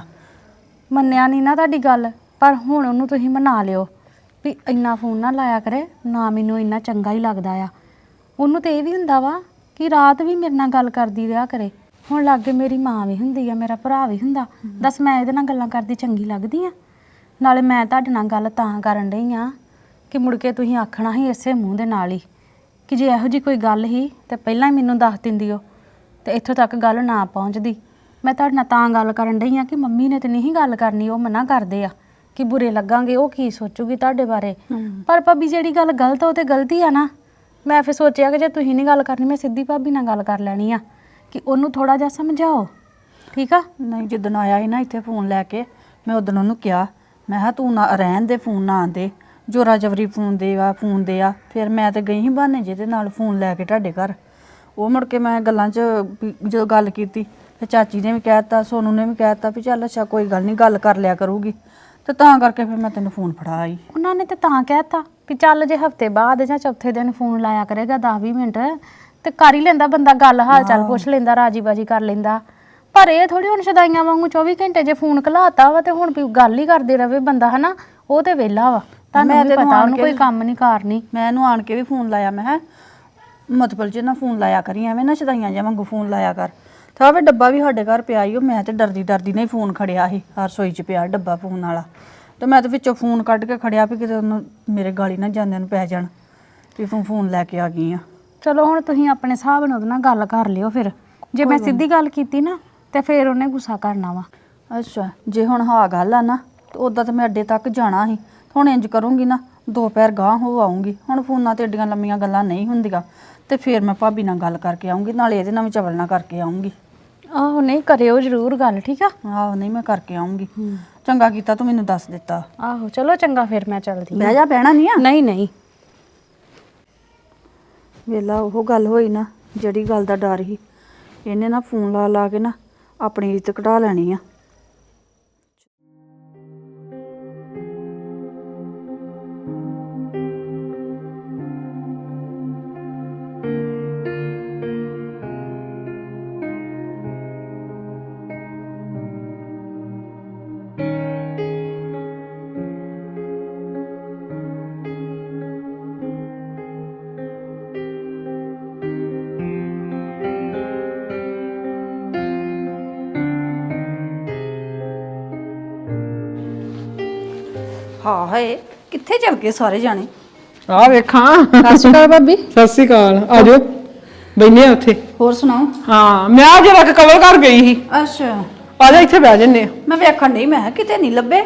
A: ਮੰਨਿਆ ਨਹੀਂ ਨਾ ਤੁਹਾਡੀ ਗੱਲ, ਪਰ ਹੁਣ ਉਹਨੂੰ ਤੁਸੀਂ ਮਨਾ ਲਿਓ ਵੀ ਇੰਨਾ ਫੋਨ ਨਾ ਲਾਇਆ ਕਰੇ, ਨਾ ਮੈਨੂੰ ਇੰਨਾ ਚੰਗਾ ਹੀ ਲੱਗਦਾ ਆ। ਉਹਨੂੰ ਤੇ ਇਹ ਵੀ ਹੁੰਦਾ ਵਾ ਕਿ ਰਾਤ ਵੀ ਮੇਰੇ ਨਾਲ ਗੱਲ ਕਰਦੀ ਰਿਹਾ ਕਰੇ। ਹੁਣ ਲਾਗੇ ਮੇਰੀ ਮਾਂ ਵੀ ਹੁੰਦੀ ਆ, ਮੇਰਾ ਭਰਾ ਵੀ ਹੁੰਦਾ, ਦੱਸ ਮੈਂ ਇਹਦੇ ਨਾਲ ਗੱਲਾਂ ਕਰਦੀ ਚੰਗੀ ਲੱਗਦੀ ਆ? ਨਾਲੇ ਮੈਂ ਤੁਹਾਡੇ ਨਾਲ ਗੱਲ ਤਾਂ ਕਰਨ ਡਈ ਆ ਕਿ ਮੁੜ ਕੇ ਤੁਸੀਂ ਆਖਣਾ ਸੀ ਇਸੇ ਮੂੰਹ ਦੇ ਨਾਲ ਹੀ ਕਿ ਜੇ ਇਹੋ ਜਿਹੀ ਕੋਈ ਗੱਲ ਸੀ ਤੇ ਪਹਿਲਾਂ ਹੀ ਮੈਨੂੰ ਦੱਸ ਦਿੰਦੀ ਹੋ ਤੇ ਇੱਥੋਂ ਤੱਕ ਗੱਲ ਨਾ ਪਹੁੰਚਦੀ। ਮੈਂ ਤੁਹਾਡੇ ਨਾਲ ਤਾਂ ਗੱਲ ਕਰਨ ਡਈ ਆ ਕਿ ਮੰਮੀ ਨੇ ਤੇ ਨਹੀਂ ਗੱਲ ਕਰਨੀ, ਉਹ ਮਨਾ ਕਰਦੇ ਆ ਕਿ ਬੁਰੇ ਲੱਗਾਂਗੇ, ਉਹ ਕੀ ਸੋਚੂਗੀ ਤੁਹਾਡੇ ਬਾਰੇ। ਪਰ ਭਾਬੀ ਜਿਹੜੀ ਗੱਲ ਗਲਤ ਉਹ ਤੇ ਗਲਤੀ ਆ ਨਾ। ਮੈਂ ਫਿਰ ਸੋਚਿਆ ਕਿ ਜੇ ਤੁਸੀਂ ਨਹੀਂ ਗੱਲ ਕਰਨੀ, ਮੈਂ ਸਿੱਧੀ ਭਾਬੀ ਨਾਲ ਗੱਲ ਕਰ ਲੈਣੀ ਆ ਕਿ ਉਹਨੂੰ ਥੋੜਾ ਜਿਹਾ ਸਮਝਾਓ, ਠੀਕ ਆ?
G: ਨਹੀਂ ਜਿੱਦਣ ਆਇਆ ਸੀ ਨਾ ਇੱਥੇ ਫੋਨ ਲੈ ਕੇ, ਮੈਂ ਉਦੋਂ ਉਹਨੂੰ ਕਿਹਾ, ਮੈਂ ਕਿਹਾ ਤੂੰ ਨਾ ਰਹਿਣ ਦੇ, ਫੋਨ ਨਾ ਆਂਦੇ, ਜੋਰਾ ਜਵਰੀ ਫੋਨ ਦੇ ਆ ਫੋਨ ਦੇ ਆ। ਫਿਰ ਮੈਂ ਤੇ ਗਈ ਸੀ ਬਹਾਨੇ ਜਿਹਦੇ ਨਾਲ ਫੋਨ ਲੈ ਕੇ ਤੁਹਾਡੇ ਘਰ। ਉਹ ਮੁੜ ਕੇ ਮੈਂ ਗੱਲਾਂ 'ਚ ਵੀ ਜਦੋਂ ਗੱਲ ਕੀਤੀ ਫਿਰ ਚਾਚੀ ਨੇ ਵੀ ਕਹਿ ਦਿੱਤਾ, ਸੋਨੂ ਨੇ ਵੀ ਕਹਿ ਦਿੱਤਾ ਵੀ ਚੱਲ ਅੱਛਾ ਕੋਈ ਗੱਲ ਨਹੀਂ, ਗੱਲ ਕਰ ਲਿਆ ਕਰੂਗੀ। ਤੇ ਤਾਂ ਕਰਕੇ ਫਿਰ ਮੈਂ ਤੈਨੂੰ ਫੋਨ ਫੜਾ ਆਈ।
A: ਉਹਨਾਂ ਨੇ ਤੇ ਤਾਂ ਕਹਿਤਾ ਵੀ ਚੱਲ ਜੇ ਹਫਤੇ ਬਾਅਦ ਜਾਂ ਚੌਥੇ ਦਿਨ ਫੋਨ ਲਾਇਆ ਕਰੇਗਾ ਦਸ ਵੀਹ ਮਿੰਟ ਤੇ ਕਰ ਹੀ ਲੈਂਦਾ ਬੰਦਾ, ਗੱਲ ਹਾਲ ਚਾਲ ਪੁੱਛ ਲੈਂਦਾ, ਰਾਜੀ ਬਾਜੀ ਕਰ ਲੈਂਦਾ। ਪਰ ਇਹ ਥੋੜੀ ਹੁਣ ਸ਼ਦਾਈਆਂ ਵਾਂਗੂ ਚੌਵੀ ਘੰਟੇ ਜੇ ਫੋਨ ਘਲਾਤਾ ਵਾ ਤੇ ਹੁਣ ਵੀ ਗੱਲ ਹੀ ਕਰਦੇ ਰਵੇ ਬੰਦਾ, ਹਨਾ? ਉਹ ਤੇ ਵਿਹਲਾ ਵਾ, ਤੁਹਾਨੂੰ ਵੀ ਪਤਾ ਉਹਨੂੰ ਕੋਈ ਕੰਮ ਨਹੀਂ ਕਰਨੀ।
G: ਮੈਂ ਇਹਨੂੰ ਆਣ ਕੇ ਵੀ ਫੋਨ ਲਾਇਆ, ਮੈਂ ਕਿਹਾ ਮਤਲਬ ਜੇ ਨਾ ਫੋਨ ਲਾਇਆ ਕਰੀ, ਐਵੇਂ ਨਾ ਸ਼ਦਾਈਆਂ ਜਿਹਾ ਵਾਂਗੂ ਫੋਨ ਲਾਇਆ ਕਰ। ਤਾਂ ਵੇ ਡੱਬਾ ਵੀ ਸਾਡੇ ਘਰ ਪਿਆ ਹੀ, ਉਹ ਮੈਂ ਤੇ ਡਰਦੀ ਡਰਦੀ ਨੇ ਫੋਨ ਖੜਿਆ ਸੀ, ਹਰ ਰਸੋਈ 'ਚ ਪਿਆ ਡੱਬਾ ਫੋਨ ਵਾਲਾ। ਤੇ ਮੈਂ ਤੇ ਵਿੱਚੋਂ ਫੋਨ ਕੱਢ ਕੇ ਖੜਿਆ ਵੀ ਕਿਤੇ ਉਹਨੂੰ ਮੇਰੇ ਗਾਲੀ ਨਾ ਜਾਂਦਿਆਂ ਨੂੰ ਪੈ ਜਾਣ ਵੀ ਤੂੰ ਫੋਨ ਲੈ ਕੇ ਆ ਗਈ ਆ।
A: ਚਲੋ ਹੁਣ ਤੁਸੀਂ ਆਪਣੇ ਹਿਸਾਬ ਨਾਲ ਉਹਦੇ ਨਾਲ ਗੱਲ ਕਰ ਲਿਓ। ਫਿਰ ਜੇ ਮੈਂ ਸਿੱਧੀ ਗੱਲ ਕੀਤੀ ਨਾ ਤੇ ਫਿਰ ਉਹਨੇ ਗੁੱਸਾ ਕਰਨਾ ਵਾ।
G: ਅੱਛਾ ਜੇ ਹੁਣ ਹਾਂ ਗੱਲ ਆ ਨਾ, ਤੇ ਉੱਦਾਂ ਤਾਂ ਮੈਂ ਅੱਡੇ ਤੱਕ ਜਾਣਾ ਸੀ। ਹੁਣ ਇੰਜ ਕਰੂੰਗੀ ਨਾ, ਦੋ ਪੈਰ ਗਾਂਹ ਹੋ ਆਉਂਗੀ। ਹੁਣ ਫੋਨਾਂ ਤੇ ਏਡੀਆਂ ਲੰਮੀਆਂ ਗੱਲਾਂ ਨਹੀਂ ਹੁੰਦੀਆਂ, ਤੇ ਫਿਰ ਮੈਂ ਭਾਬੀ ਨਾਲ ਗੱਲ ਕਰਕੇ ਆਉਂਗੀ, ਨਾਲੇ ਇਹਦੇ ਨਾਲ ਵੀ ਚਵਲ ਨਾਲ ਕਰਕੇ ਆਉਂਗੀ।
A: ਆਹੋ ਨਹੀਂ ਕਰਿਓ ਜ਼ਰੂਰ ਗੱਲ, ਠੀਕ ਆ?
G: ਆਹੋ ਨਹੀਂ ਮੈਂ ਕਰਕੇ ਆਉਂਗੀ। ਚੰਗਾ ਕੀਤਾ ਤੂੰ ਮੈਨੂੰ ਦੱਸ ਦਿੱਤਾ।
A: ਆਹੋ ਚਲੋ ਚੰਗਾ, ਫਿਰ ਮੈਂ ਚੱਲਦੀ।
G: ਬਹਿ ਜਾ, ਬਹਿਣਾ ਨਹੀਂ ਆ?
A: ਨਹੀਂ ਨਹੀਂ
G: ਵੇਲਾ ਉਹ ਗੱਲ ਹੋਈ ਨਾ ਜਿਹੜੀ ਗੱਲ ਦਾ ਡਰ ਸੀ। ਇਹਨੇ ਨਾ ਫੋਨ ਲਾ ਲਾ ਕੇ ਨਾ ਆਪਣੀ ਇੱਜ਼ਤ ਕਢਾ ਲੈਣੀ ਆ। ਹਾਂ ਹਾਏ ਕਿੱਥੇ ਚਲ ਗਏ ਸਾਰੇ ਜਾਣੇ?
C: ਆ ਵੇਖਾਂ।
G: ਸਤਿ ਸ਼੍ਰੀ ਅਕਾਲ ਭਾਬੀ।
C: ਸਤਿ ਸ਼੍ਰੀ ਅਕਾਲ। ਆ ਜਾਓ ਬੈਠੇ ਆ ਉੱਥੇ।
G: ਹੋਰ ਸੁਣਾਓ?
C: ਹਾਂ ਮੈਂ ਆ ਜਰਾ ਕਵਰ ਕਰ ਗਈ ਸੀ।
G: ਅੱਛਾ
C: ਆ ਜਾ ਇੱਥੇ ਬਹਿ ਜੰਨੇ ਆ।
G: ਮੈਂ ਵੇਖਣ ਨਹੀਂ, ਮੈਂ ਕਿਹਾ ਕਿਤੇ ਨਹੀਂ ਲੱਭੇ।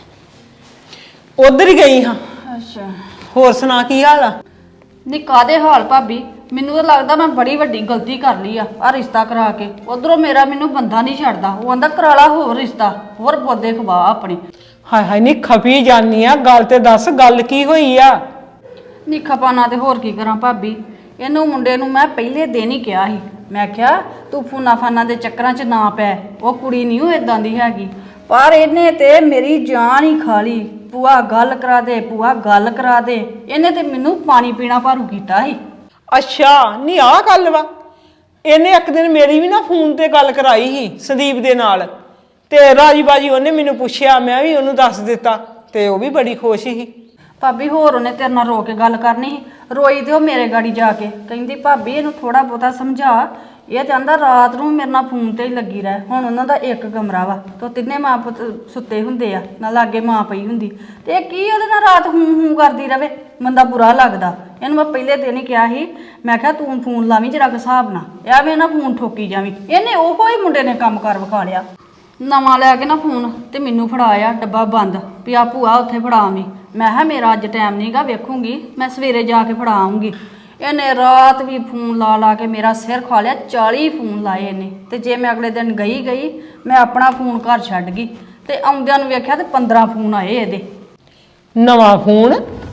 C: ਉਧਰ ਹੀ ਗਈ ਹਾਂ।
G: ਅੱਛਾ
C: ਹੋਰ ਸੁਣਾ ਕੀ ਹਾਲ ਆ?
G: ਨੀ ਕਾਦੇ ਹਾਲ ਭਾਬੀ? ਮੈਨੂੰ ਤਾਂ ਲੱਗਦਾ ਮੈਂ ਬੜੀ ਵੱਡੀ ਗਲਤੀ ਕਰ ਲਈ ਆ ਆ ਰਿਸ਼ਤਾ ਕਰਾ ਕੇ। ਉਧਰੋਂ ਮੇਰਾ ਮੈਨੂੰ ਬੰਦਾ ਨਹੀਂ ਛੱਡਦਾ, ਉਹ ਆਂਦਾ ਕਰਾਲਾ ਹੋਰ ਰਿਸ਼ਤਾ, ਹੋਰ ਪੌਦੇ ਖਵਾ ਆਪਣੇ।
C: ਹਾਏ ਹਾਏ ਨਹੀਂ ਖਪੀ ਜਾਨੀ ਆ, ਗੱਲ ਤੇ ਦੱਸ ਗੱਲ ਕੀ ਹੋਈ ਆ?
G: ਨੀ ਖਪਾਣਾ ਤੇ ਹੋਰ ਕੀ ਕਰਾਂ ਭਾਬੀ, ਇਹਨੂੰ ਮੁੰਡੇ ਨੂੰ ਮੈਂ ਪਹਿਲੇ ਦਿਨ ਹੀ ਕਿਹਾ ਸੀ, ਮੈਂ ਕਿਹਾ ਤੂੰ ਫੋਨਾ ਫਾਨਾ ਦੇ ਚੱਕਰਾਂ 'ਚ ਨਾ ਪੈ, ਉਹ ਕੁੜੀ ਨਹੀਂ ਉਹ ਇਦਾਂ ਦੀ ਹੈਗੀ। ਪਰ ਇਹਨੇ ਤੇ ਮੇਰੀ ਜਾਨ ਹੀ ਖਾ ਲਈ। ਭੂਆ ਗੱਲ ਕਰਾ ਦੇ, ਭੂਆ ਗੱਲ ਕਰਾ ਦੇ, ਇਹਨੇ ਤੇ ਮੈਨੂੰ ਪਾਣੀ ਪੀਣਾ ਭਾਰੂ ਕੀਤਾ ਸੀ।
C: ਅੱਛਾ ਨਹੀਂ ਆਹ ਗੱਲ ਵਾ। ਇਹਨੇ ਇੱਕ ਦਿਨ ਮੇਰੀ ਵੀ ਨਾ ਫੋਨ ਤੇ ਗੱਲ ਕਰਾਈ ਸੀ ਸੰਦੀਪ ਦੇ ਨਾਲ, ਤੇ ਰਾਜੀ ਬਾਜੀ ਉਹਨੇ ਮੈਨੂੰ ਪੁੱਛਿਆ, ਮੈਂ ਵੀ ਉਹਨੂੰ ਦੱਸ ਦਿੱਤਾ, ਤੇ ਉਹ ਵੀ ਬੜੀ ਖੁਸ਼ ਸੀ।
G: ਭਾਬੀ ਹੋਰ ਉਹਨੇ ਤੇਰੇ ਨਾਲ ਰੋ ਕੇ ਗੱਲ ਕਰਨੀ ਸੀ, ਰੋਈ ਤੇ ਉਹ ਮੇਰੇ ਗਾੜੀ ਜਾ ਕੇ ਕਹਿੰਦੀ ਭਾਬੀ ਇਹਨੂੰ ਥੋੜਾ ਬਹੁਤਾ ਸਮਝਾ, ਇਹ ਚਾਹੁੰਦਾ ਰਾਤ ਨੂੰ ਮੇਰੇ ਨਾਲ ਫੋਨ ਤੇ ਹੀ ਲੱਗੀ ਰਹਿ। ਹੁਣ ਉਹਨਾਂ ਦਾ ਇੱਕ ਕਮਰਾ ਵਾ ਤੇ ਤਿੰਨੇ ਮਾਂ ਪੁੱਤ ਸੁੱਤੇ ਹੁੰਦੇ ਆ, ਨਾਲ ਲਾਗੇ ਮਾਂ ਪਈ ਹੁੰਦੀ, ਤੇ ਇਹ ਕੀ ਉਹਦੇ ਨਾਲ ਰਾਤ ਹੂੰ ਹੂੰ ਕਰਦੀ ਰਵੇ, ਬੰਦਾ ਬੁਰਾ ਲੱਗਦਾ। ਇਹਨੂੰ ਮੈਂ ਪਹਿਲੇ ਦਿਨ ਹੀ ਕਿਹਾ ਸੀ, ਮੈਂ ਕਿਹਾ ਤੂੰ ਫੋਨ ਲਾਵੀਂ ਜਰਾ ਹਿਸਾਬ ਨਾਲ, ਐਵੇਂ ਨਾ ਫੋਨ ਠੋਕੀ ਜਾਵੀਂ। ਇਹਨੇ ਉਹੋ ਹੀ ਮੁੰਡੇ ਨੇ ਕੰਮ ਕਰ ਵਿਖਾ ਲਿਆ, ਨਵਾਂ ਲੈ ਕੇ ਨਾ ਫੋਨ ਤੇ ਮੈਨੂੰ ਫੜਾਇਆ ਡੱਬਾ ਬੰਦ ਵੀ ਆ ਭੂਆ ਉੱਥੇ ਫੜਾਵੀਂ। ਮੈਂ ਕਿਹਾ ਮੇਰਾ ਅੱਜ ਟਾਈਮ ਨਹੀਂਗਾ, ਵੇਖੂੰਗੀ ਮੈਂ ਸਵੇਰੇ ਜਾ ਕੇ ਫੜਾ ਆਊਂਗੀ। ਇਹਨੇ ਰਾਤ ਵੀ ਫੋਨ ਲਾ ਲਾ ਕੇ ਮੇਰਾ ਸਿਰ ਖਾ ਲਿਆ, ਚਾਲੀ ਫੋਨ ਲਾਏ ਇਹਨੇ। ਤੇ ਜੇ ਮੈਂ ਅਗਲੇ ਦਿਨ ਗਈ ਗਈ ਮੈਂ ਆਪਣਾ ਫੋਨ ਘਰ ਛੱਡ ਗਈ, ਤੇ ਆਉਂਦਿਆਂ ਨੂੰ ਵੇਖਿਆ ਤੇ ਪੰਦਰਾਂ ਫੋਨ ਆਏ ਇਹਦੇ।
C: ਨਵਾਂ ਫੋਨ?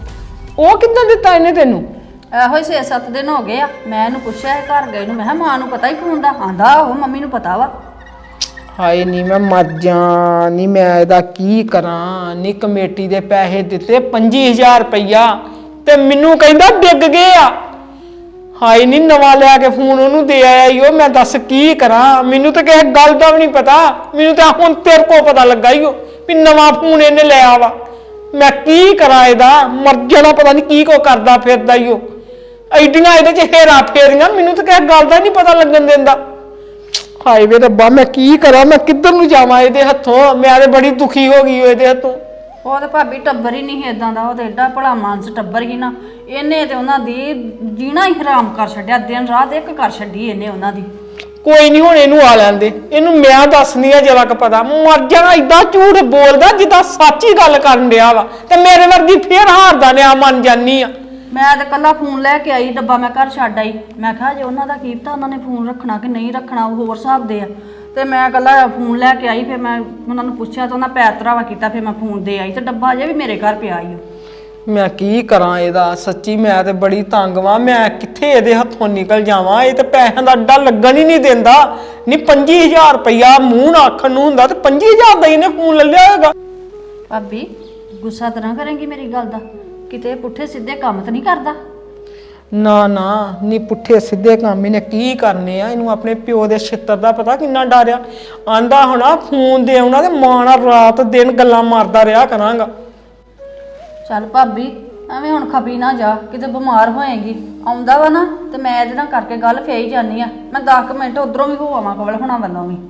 C: ਉਹ ਕਿੱਦਾਂ ਦਿੱਤਾ ਇਹਨੇ ਤੈਨੂੰ?
G: ਇਹੋ ਹੀ ਛੇ ਸੱਤ ਦਿਨ ਹੋ ਗਏ ਆ। ਮੈਂ ਇਹਨੂੰ ਪੁੱਛਿਆ ਇਹ ਘਰ ਗਏ ਨੂੰ, ਮੈਂ ਕਿਹਾ ਮਾਂ ਨੂੰ ਪਤਾ ਹੀ ਫੋਨ ਦਾ? ਆਂਦਾ ਉਹ ਮੰਮੀ ਨੂੰ ਪਤਾ ਵਾ।
C: ਹਾਏ ਨਹੀਂ ਮੈਂ ਮਰ ਜਾ, ਨਹੀਂ ਮੈਂ ਇਹਦਾ ਕੀ ਕਰਾਂ? ਨਹੀਂ ਕਮੇਟੀ ਦੇ ਪੈਸੇ ਦਿੱਤੇ ਪੱਚੀ ਹਜ਼ਾਰ ਰੁਪਈਆ, ਤੇ ਮੈਨੂੰ ਕਹਿੰਦਾ ਡਿੱਗ ਗਏ ਆ। ਹਾਏ ਨਹੀਂ ਨਵਾਂ ਲਿਆ ਕੇ ਫੋਨ ਉਹਨੂੰ ਦੇ ਆਇਆ ਈ ਉਹ, ਮੈਂ ਦੱਸ ਕੀ ਕਰਾਂ? ਮੈਨੂੰ ਤਾਂ ਕਿਸੇ ਗੱਲ ਦਾ ਵੀ ਨਹੀਂ ਪਤਾ, ਮੈਨੂੰ ਤਾਂ ਹੁਣ ਤੇਰੇ ਕੋਲ ਪਤਾ ਲੱਗਾ ਈ ਉਹ ਵੀ ਨਵਾਂ ਫੋਨ ਇਹਨੇ ਲਿਆ ਵਾ। ਮੈਂ ਕੀ ਕਰਾਂ ਇਹਦਾ? ਮਰ ਜਾਣਾ, ਪਤਾ ਨਹੀਂ ਕੀ ਕੋ ਕਰਦਾ ਫਿਰਦਾ ਈ ਉਹ। ਐਡੀਆਂ ਇਹਦੇ 'ਚ ਹੇਰਾ ਫੇਰੀਆਂ, ਮੈਨੂੰ ਤਾਂ ਕਿਸੇ ਗੱਲ ਦਾ ਨਹੀਂ ਪਤਾ ਲੱਗਣ ਦਿੰਦਾ। ਹਾਏ ਵੇ ਰੱਬਾ ਮੈਂ ਕੀ ਕਰਾਂ? ਮੈਂ ਕਿੱਧਰ ਨੂੰ ਜਾਵਾਂ ਇਹਦੇ ਹੱਥੋਂ? ਮੈਂ ਤੇ ਬੜੀ ਦੁਖੀ ਹੋ ਗਈ ਇਹਦੇ ਹੱਥੋਂ।
G: ਉਹ ਤੇ ਭਾਬੀ ਟੱਬਰ ਹੀ ਨਹੀਂ ਇਦਾਂ ਦਾ, ਉਹ ਤੇ ਏਡਾ ਭਲਾ ਮਾਨਸ ਟੱਬਰ ਹੀ ਨਾ। ਇਹਨੇ ਤੇ ਉਹਨਾਂ ਦੀ ਜੀਣਾ ਹੀ ਹਰਾਮ ਕਰ ਛੱਡਿਆ, ਦਿਨ ਰਾਤ ਇੱਕ ਕਰ ਛੱਡੀ ਇਹਨੇ ਉਹਨਾਂ ਦੀ।
C: ਕੋਈ ਨਹੀਂ ਹੁਣ ਇਹਨੂੰ ਆ ਲੈਂਦੇ, ਇਹਨੂੰ ਮੈਂ ਦੱਸਣੀ ਆ ਜਰਾ ਕੁ ਪਤਾ। ਮਰ ਜਾਣਾ, ਏਦਾਂ ਝੂਠ ਬੋਲਦਾ ਜਿੱਦਾਂ ਸੱਚੀ ਗੱਲ ਕਰਨ ਡਿਆ ਵਾ, ਤੇ ਮੇਰੇ ਵਰਗੀ ਫੇਰ ਹਾਰਦਾ ਨਿਆ ਮੰਨ ਜਾਨੀ ਆ।
G: ਮੈਂ ਤੇ ਕੱਲਾ ਫੋਨ ਲੈ ਕੇ ਆਈ, ਡੱਬਾ ਮੈਂ ਘਰ ਛੱਡ ਆਈ। ਮੈਂ ਕਿਹਾ ਜੇ ਉਹਨਾਂ ਦਾ ਕੀ ਪਤਾ ਉਹਨਾਂ ਨੇ ਫੋਨ ਰੱਖਣਾ ਕਿ ਨਹੀਂ ਰੱਖਣਾ, ਉਹ ਹੋਰ ਹਿਸਾਬ ਦੇ ਆ। ਤੇ ਮੈਂ ਕੱਲਾ ਫੋਨ ਲੈ ਕੇ ਆਈ, ਫਿਰ ਮੈਂ ਉਹਨਾਂ ਨੂੰ ਪੁੱਛਿਆ ਤੇ ਉਹਨਾਂ ਪੈਰ ਧਰਾਵਾ ਕੀਤਾ, ਫਿਰ ਮੈਂ ਫੋਨ ਦੇ ਆਈ, ਤੇ ਡੱਬਾ ਅਜੇ ਵੀ ਮੇਰੇ ਘਰ ਪਿਆ ਈ।
C: ਮੈਂ ਕੀ ਕਰਾਂ ਇਹਦਾ? ਸੱਚੀ ਮੈਂ ਤੇ ਬੜੀ ਤੰਗ ਵਾਂ, ਮੈਂ ਕਿੱਥੇ ਇਹਦੇ ਹੱਥੋਂ ਨਿਕਲ ਜਾਵਾਂ? ਇਹ ਤੇ ਪੈਸਿਆਂ ਦਾ ਅੱਡਾ ਲੱਗਣ ਹੀ ਨਹੀਂ ਦਿੰਦਾ। ਨਹੀਂ ਪੱਚੀ ਹਜ਼ਾਰ ਰੁਪਈਆ ਮੂੰਹ ਨਾਲ ਆਖਣ ਨੂੰ ਹੁੰਦਾ, ਤੇ ਪੱਚੀ ਹਜ਼ਾਰ ਦਾ ਇਹਨੇ ਫੋਨ ਲੈ ਲਿਆ ਹੈਗਾ।
G: ਭਾਬੀ ਗੁੱਸਾ ਤਾਂ ਨਾ ਕਰੇਂਗੀ ਮੇਰੀ ਗੱਲ ਦਾ? ਕਿਤੇ ਪੁੱਠੇ ਸਿੱਧੇ ਕੰਮ ਤਾਂ ਨਹੀਂ ਕਰਦਾ?
C: ਨਾ ਨਾ ਨੀ ਪੁੱਠੇ ਸਿੱਧੇ ਕੰਮ ਇਹਨੇ ਕੀ ਕਰਨੇ ਆ? ਇਹਨੂੰ ਆਪਣੇ ਪਿਓ ਦੇ ਛਿੱਤਰ ਦਾ ਪਤਾ ਕਿੰਨਾ ਡਰਿਆ। ਆਂਦਾ ਹੋਣਾ ਫੋਨ ਦੇ ਆਉਣਾ ਤੇ ਮਾਂ ਨਾਲ ਰਾਤ ਦਿਨ ਗੱਲਾਂ ਮਾਰਦਾ ਰਿਹਾ ਕਰਾਂਗਾ।
G: ਚੱਲ ਭਾਬੀ ਐਵੇਂ ਹੁਣ ਖਪੀ ਨਾ ਜਾ, ਕਿਤੇ ਬਿਮਾਰ ਹੋਏਗੀ। ਆਉਂਦਾ ਵਾ ਨਾ ਤੇ ਮੈਂ ਇਹਦੇ ਨਾਲ ਕਰਕੇ ਗੱਲ ਫੇਰ ਹੀ ਜਾਨੀ ਆ। ਮੈਂ ਦਸ ਕੁ ਮਿੰਟ ਉਧਰੋਂ ਵੀ ਹੋ ਆਵਾਂ, ਕਵਲ ਹੋਣਾ ਵੱਲੋਂ ਵੀ।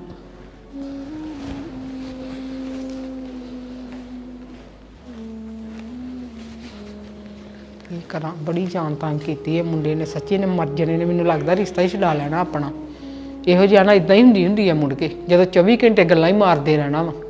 C: ਕੀ ਕਰਾਂ? ਬੜੀ ਜਾਨ ਤੰਗ ਕੀਤੀ ਇਹ ਮੁੰਡੇ ਨੇ, ਸੱਚੀ ਨੇ ਮਰ ਜਣੇ ਨੇ। ਮੈਨੂੰ ਲੱਗਦਾ ਰਿਸ਼ਤਾ ਹੀ ਛਡਾ ਲੈਣਾ ਆਪਣਾ। ਇਹੋ ਜਿਹਾ ਨਾ ਇਦਾਂ ਹੀ ਹੁੰਦੀ ਹੁੰਦੀ ਆ ਮੁੜ ਕੇ, ਜਦੋਂ ਚੌਵੀ ਘੰਟੇ ਗੱਲਾਂ ਹੀ ਮਾਰਦੇ ਰਹਿਣਾ ਵਾ।